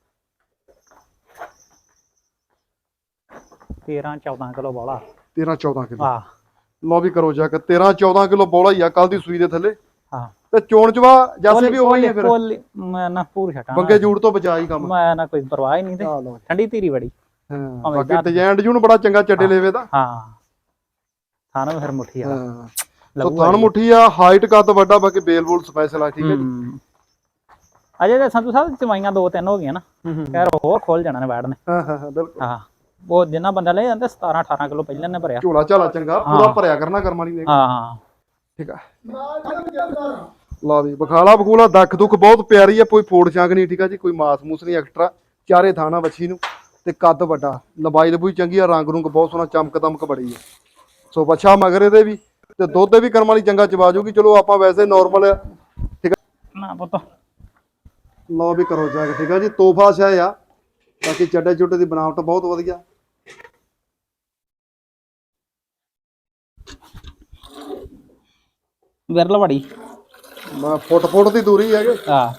B: ਤੇਰਾਂ ਚੌਦਾਂ ਕਿਲੋ ਬੋਲਾ।
A: ਤੇਰਾਂ ਚੌਦਾਂ ਕਿਲੋ।
B: ਆ
A: ਲਓ ਵੀ ਕਰੋ ਜਾ ਕੇ ਤੇਰਾਂ ਚੌਦਾਂ ਕਿਲੋ ਬੋਲਾ ਹੀ ਆ ਕੱਲ ਦੀ ਸੂਈ ਦੇ ਥੱਲੇ।
B: ਹਾਂ
A: ਤੇ ਚੋਣ ਚਵਾ ਜੈਸੇ ਵੀ ਉਹੀ ਹੈ ਫਿਰ।
B: ਕੋਲ ਮੈਂ ਨਾ ਪੂਰ ਛਟਾ
A: ਬੰਗੇ ਜੂੜ ਤੋਂ ਬਚਾ ਹੀ ਕੰਮ।
B: ਮੈਂ ਨਾ ਕੋਈ ਪਰਵਾਹ ਹੀ ਨਹੀਂ ਤੇ
A: ਆ ਲਓ।
B: ਠੰਡੀ ਧੀਰੀ ਬੜੀ।
A: ਹਾਂ ਬਾਕੀ ਡਿਜ਼ਾਈਨ ਡਿਜ਼ੂਨ ਬੜਾ ਚੰਗਾ ਚੱਡੇ ਲੇਵੇ ਦਾ।
B: ਹਾਂ ਥਾਣਾ ਫਿਰ ਮੁੱਠੀ ਆ।
A: ਹਾਂ ਸੋ ਥਣ ਮੁੱਠੀ ਆ, ਹਾਈਟ ਕੱਦ ਵੱਡਾ, ਬਾਕੀ ਬੇਲ ਬੂਲ ਸਪੈਸ਼ਲ ਆ। ਠੀਕ ਹੈ ਜੀ।
B: ਅਜੇ ਤੇ ਸੰਧੂ ਸਾਹਿਬ ਚਵਾਈਆਂ ਦੋ ਤਿੰਨ ਹੋ ਗਈਆਂ ਨਾ। ਖੈਰ ਹੋਰ ਖੋਲ ਜਾਣਾ ਨੇ ਬੈਠ ਨੇ।
A: ਹਾਂ ਹਾਂ ਹਾਂ ਬਿਲਕੁਲ।
B: ਹਾਂ ਉਹ ਜਿੰਨਾ ਬੰਦਾ ਲੈ ਜਾਂਦੇ ਸਤਾਰਾਂ ਅਠਾਰਾਂ ਕਿਲੋ ਪਹਿਲਾਂ ਨੇ ਭਰਿਆ।
A: ਝੋਲਾ ਝਾਲਾ ਚੰਗਾ ਪੂਰਾ ਭਰਿਆ ਕਰਨਾ ਕਰਮਾ ਨਹੀਂ।
B: ਹਾਂ ਹਾਂ
A: ਠੀਕ ਆ
C: ਨਾਲ ਜਦ ਚੱਲਦਾ
A: ਲਾ ਵੀ ਬਖਾਲਾ ਬਖੂਲਾ ਦੱਖ ਦੁੱਖ ਬਹੁਤ ਪਿਆਰੀ ਆ। ਕੋਈ ਫੋੜ ਛਾਂਗ ਨਹੀਂ। ਠੀਕ ਆ ਜੀ, ਕੋਈ ਮਾਸ ਮੂਸ ਨਹੀਂ ਐਕਸਟਰਾ। ਚਾਰੇ ਥਾਣਾ ਵੱਛੀ ਨੂੰ ਤੇ ਕੱਦ ਵੱਡਾ, ਲੰਬਾਈ ਲੰਬੂਈ ਚੰਗੀ ਆ, ਰੰਗ ਰੁੰਗ ਬਹੁਤ ਸੋਹਣਾ, ਚਮਕ ਦਮਕ ਬੜੀ ਆ। ਸੋ ਬੱਚਾ ਮਗਰ ਇਹਦੇ ਵੀ ਤੇ ਦੁੱਧ ਵੀ ਕਰਮ ਵਾਲੀ ਚੰਗਾ ਚਵਾ ਜੂਗੀ। ਚਲੋ ਆਪਾਂ ਵੈਸੇ ਨਾਰਮਲ ਠੀਕ ਆ
B: ਨਾ ਪੁੱਤ।
A: ਲਓ ਵੀ ਕਰੋ ਜਾ ਕੇ। ਠੀਕ ਆ ਜੀ, ਤੋਹਫਾ ਸ਼ਾਇ ਆ। ਬਾਕੀ ਚੱਡੇ ਚੁੱਡੇ ਦੀ ਬਣਾਵਟ ਬਹੁਤ ਵਧੀਆ।
B: ਵਿਰਲ ਬੜੀ।
A: ਮੈਂ ਫੁੱਟ ਫੁੱਟ ਦੀ ਦੂਰੀ ਹੈਗੇ।
B: ਹਾਂ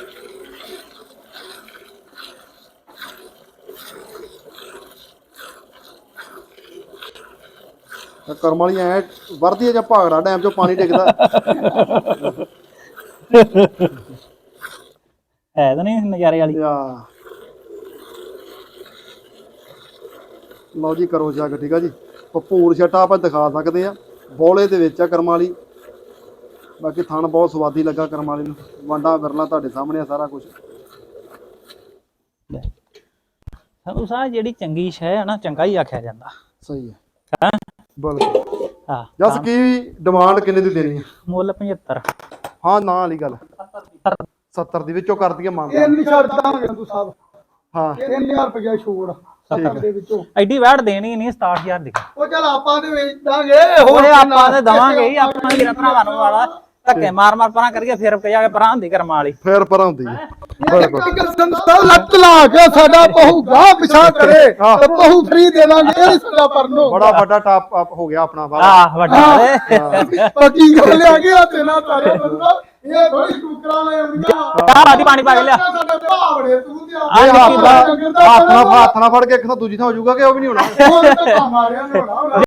A: ਕਰਮ ਵਾਲੀ ਐ ਵਰਦੀ ਆ ਜਾਂ ਭਾਗੜਾ ਡੈਮ ਚੋਂ ਪਾਣੀ ਡਿੱਗਦਾ।
B: ਹੈ ਤਾਂ ਨਹੀਂ ਨਜ਼ਾਰੇ ਵਾਲੀ।
A: ਆ ਲਓ ਜੀ ਕਰੋ ਜਾ ਕੇ। ਠੀਕ ਆ ਜੀ, ਭਪੂਰ ਛਟਾ ਆਪਾਂ ਦਿਖਾ ਸਕਦੇ ਆ। ਬੋਲੇ ਦੇ ਵਿੱਚ ਆ ਕਰਮ ਵਾਲੀ। ਬਾਕੀ ਥਣ ਬਹੁਤ ਸਵਾਦੀ ਲੱਗਾ ਕਰਮ ਵਾਲੀ ਨੂੰ। ਵਾਂਡਾ ਵਿਰਲਾ ਤੁਹਾਡੇ ਸਾਹਮਣੇ ਆ ਸਾਰਾ ਕੁਝ।
B: ਸੰਧੂ ਸਾਹਿਬ ਜਿਹੜੀ ਚੰਗੀ ਸ਼ੈ ਹੈ ਨਾ, ਚੰਗਾ ਹੀ ਆਖਿਆ ਜਾਂਦਾ।
A: ਸਹੀ ਹੈ
B: ਹਾਂ
A: ਬਿਲਕੁਲ।
B: ਹਾਂ
A: ਜਸ ਕੀ ਡਿਮਾਂਡ ਕਿੰਨੇ ਦੀ ਦੇਣੀ ਹੈ?
B: ਮੁੱਲ ਪਝੱਤਰ।
A: ਹਾਂ ਨਾ ਵਾਲੀ ਗੱਲ ਸੱਤਰ ਦੀ ਵਿੱਚੋਂ ਕਰ ਦਈਏ ਮੰਗ।
C: ਇਹ ਨਹੀਂ ਛੱਡ ਦਾਂਗੇ ਸੰਧੂ ਸਾਹਿਬ।
A: ਹਾਂ
C: ਤਿੰਨ ਹਜ਼ਾਰ ਰੁਪਇਆ ਛੋੜ ਸੱਤਰ ਦੇ ਵਿੱਚੋਂ।
B: ਐਡੀ ਵੈਟ ਦੇਣੀ ਨਹੀਂ ਸਤਾਹਠ ਹਜ਼ਾਰ ਦੀ।
C: ਉਹ ਚੱਲ ਆਪਾਂ ਤੇ ਵੇਚ ਦਾਂਗੇ।
B: ਹੋਰ ਆਪਾਂ ਤੇ ਦਵਾਂਗੇ ਹੀ। ਆਪਾਂ ਵੀਰਾਂ ਭਰਾਵਾਂ ਨੂੰ ਵਾਲਾ ਧੱਕੇ ਮਾਰ ਮਾਰ ਪਰਾਂ ਕਰੀਏ, ਫਿਰ ਜਾ ਕੇ ਪਰਾਂ ਹੁੰਦੀ ਕਰਮ ਵਾਲੀ।
A: ਫੇਰ ਪਰਾਂ ਹੁੰਦੀ ਹੈ।
C: ਲੱਤ ਲਾ ਕੇ ਸਾਡਾ ਬਹੁ ਗਾਹ ਪਿਛਾ ਕਰੇ ਤੇ ਬਹੁ ਫਰੀ ਦੇ ਦਾਂਗੇ। ਇਹ ਸਾਡਾ ਪਰਨੋ
A: ਬੜਾ ਵੱਡਾ ਟਾਪ ਅਪ ਹੋ ਗਿਆ ਆਪਣਾ ਵਾਲਾ।
B: ਆਹ ਵੱਡਾ ਏ।
C: ਪੱਕੀ ਗੱਲ ਆ ਗਿਆ ਤੇ ਨਾ ਤਾਰੇ ਬੰਦਾ। ਇਹ ਥੋੜੀ ਟੁਕਰਾ ਲੈ ਆਉਂਦੀਆਂ।
B: ਚਾਹ ਬਾਦੀ ਪਾਣੀ ਪਾ ਕੇ ਲਿਆ।
C: ਸਾਡੇ ਭਾਵੜੇ ਤੂੰ ਤੇ
B: ਆ
A: ਇਹ
B: ਨਿੱਕੀ
A: ਹੱਥ ਨਾਲ ਹੱਥ ਨਾਲ ਹੱਥ ਨਾਲ ਫੜ ਕੇ ਇੱਕ ਤਾਂ ਦੂਜੀ ਥਾਂ ਹੋ ਜਾਊਗਾ ਕਿ ਉਹ ਵੀ ਨਹੀਂ ਹੋਣਾ।
C: ਉਹ ਤਾਂ ਕੰਮ ਆ ਰਿਹਾ ਨੇ ਹੋਣਾ।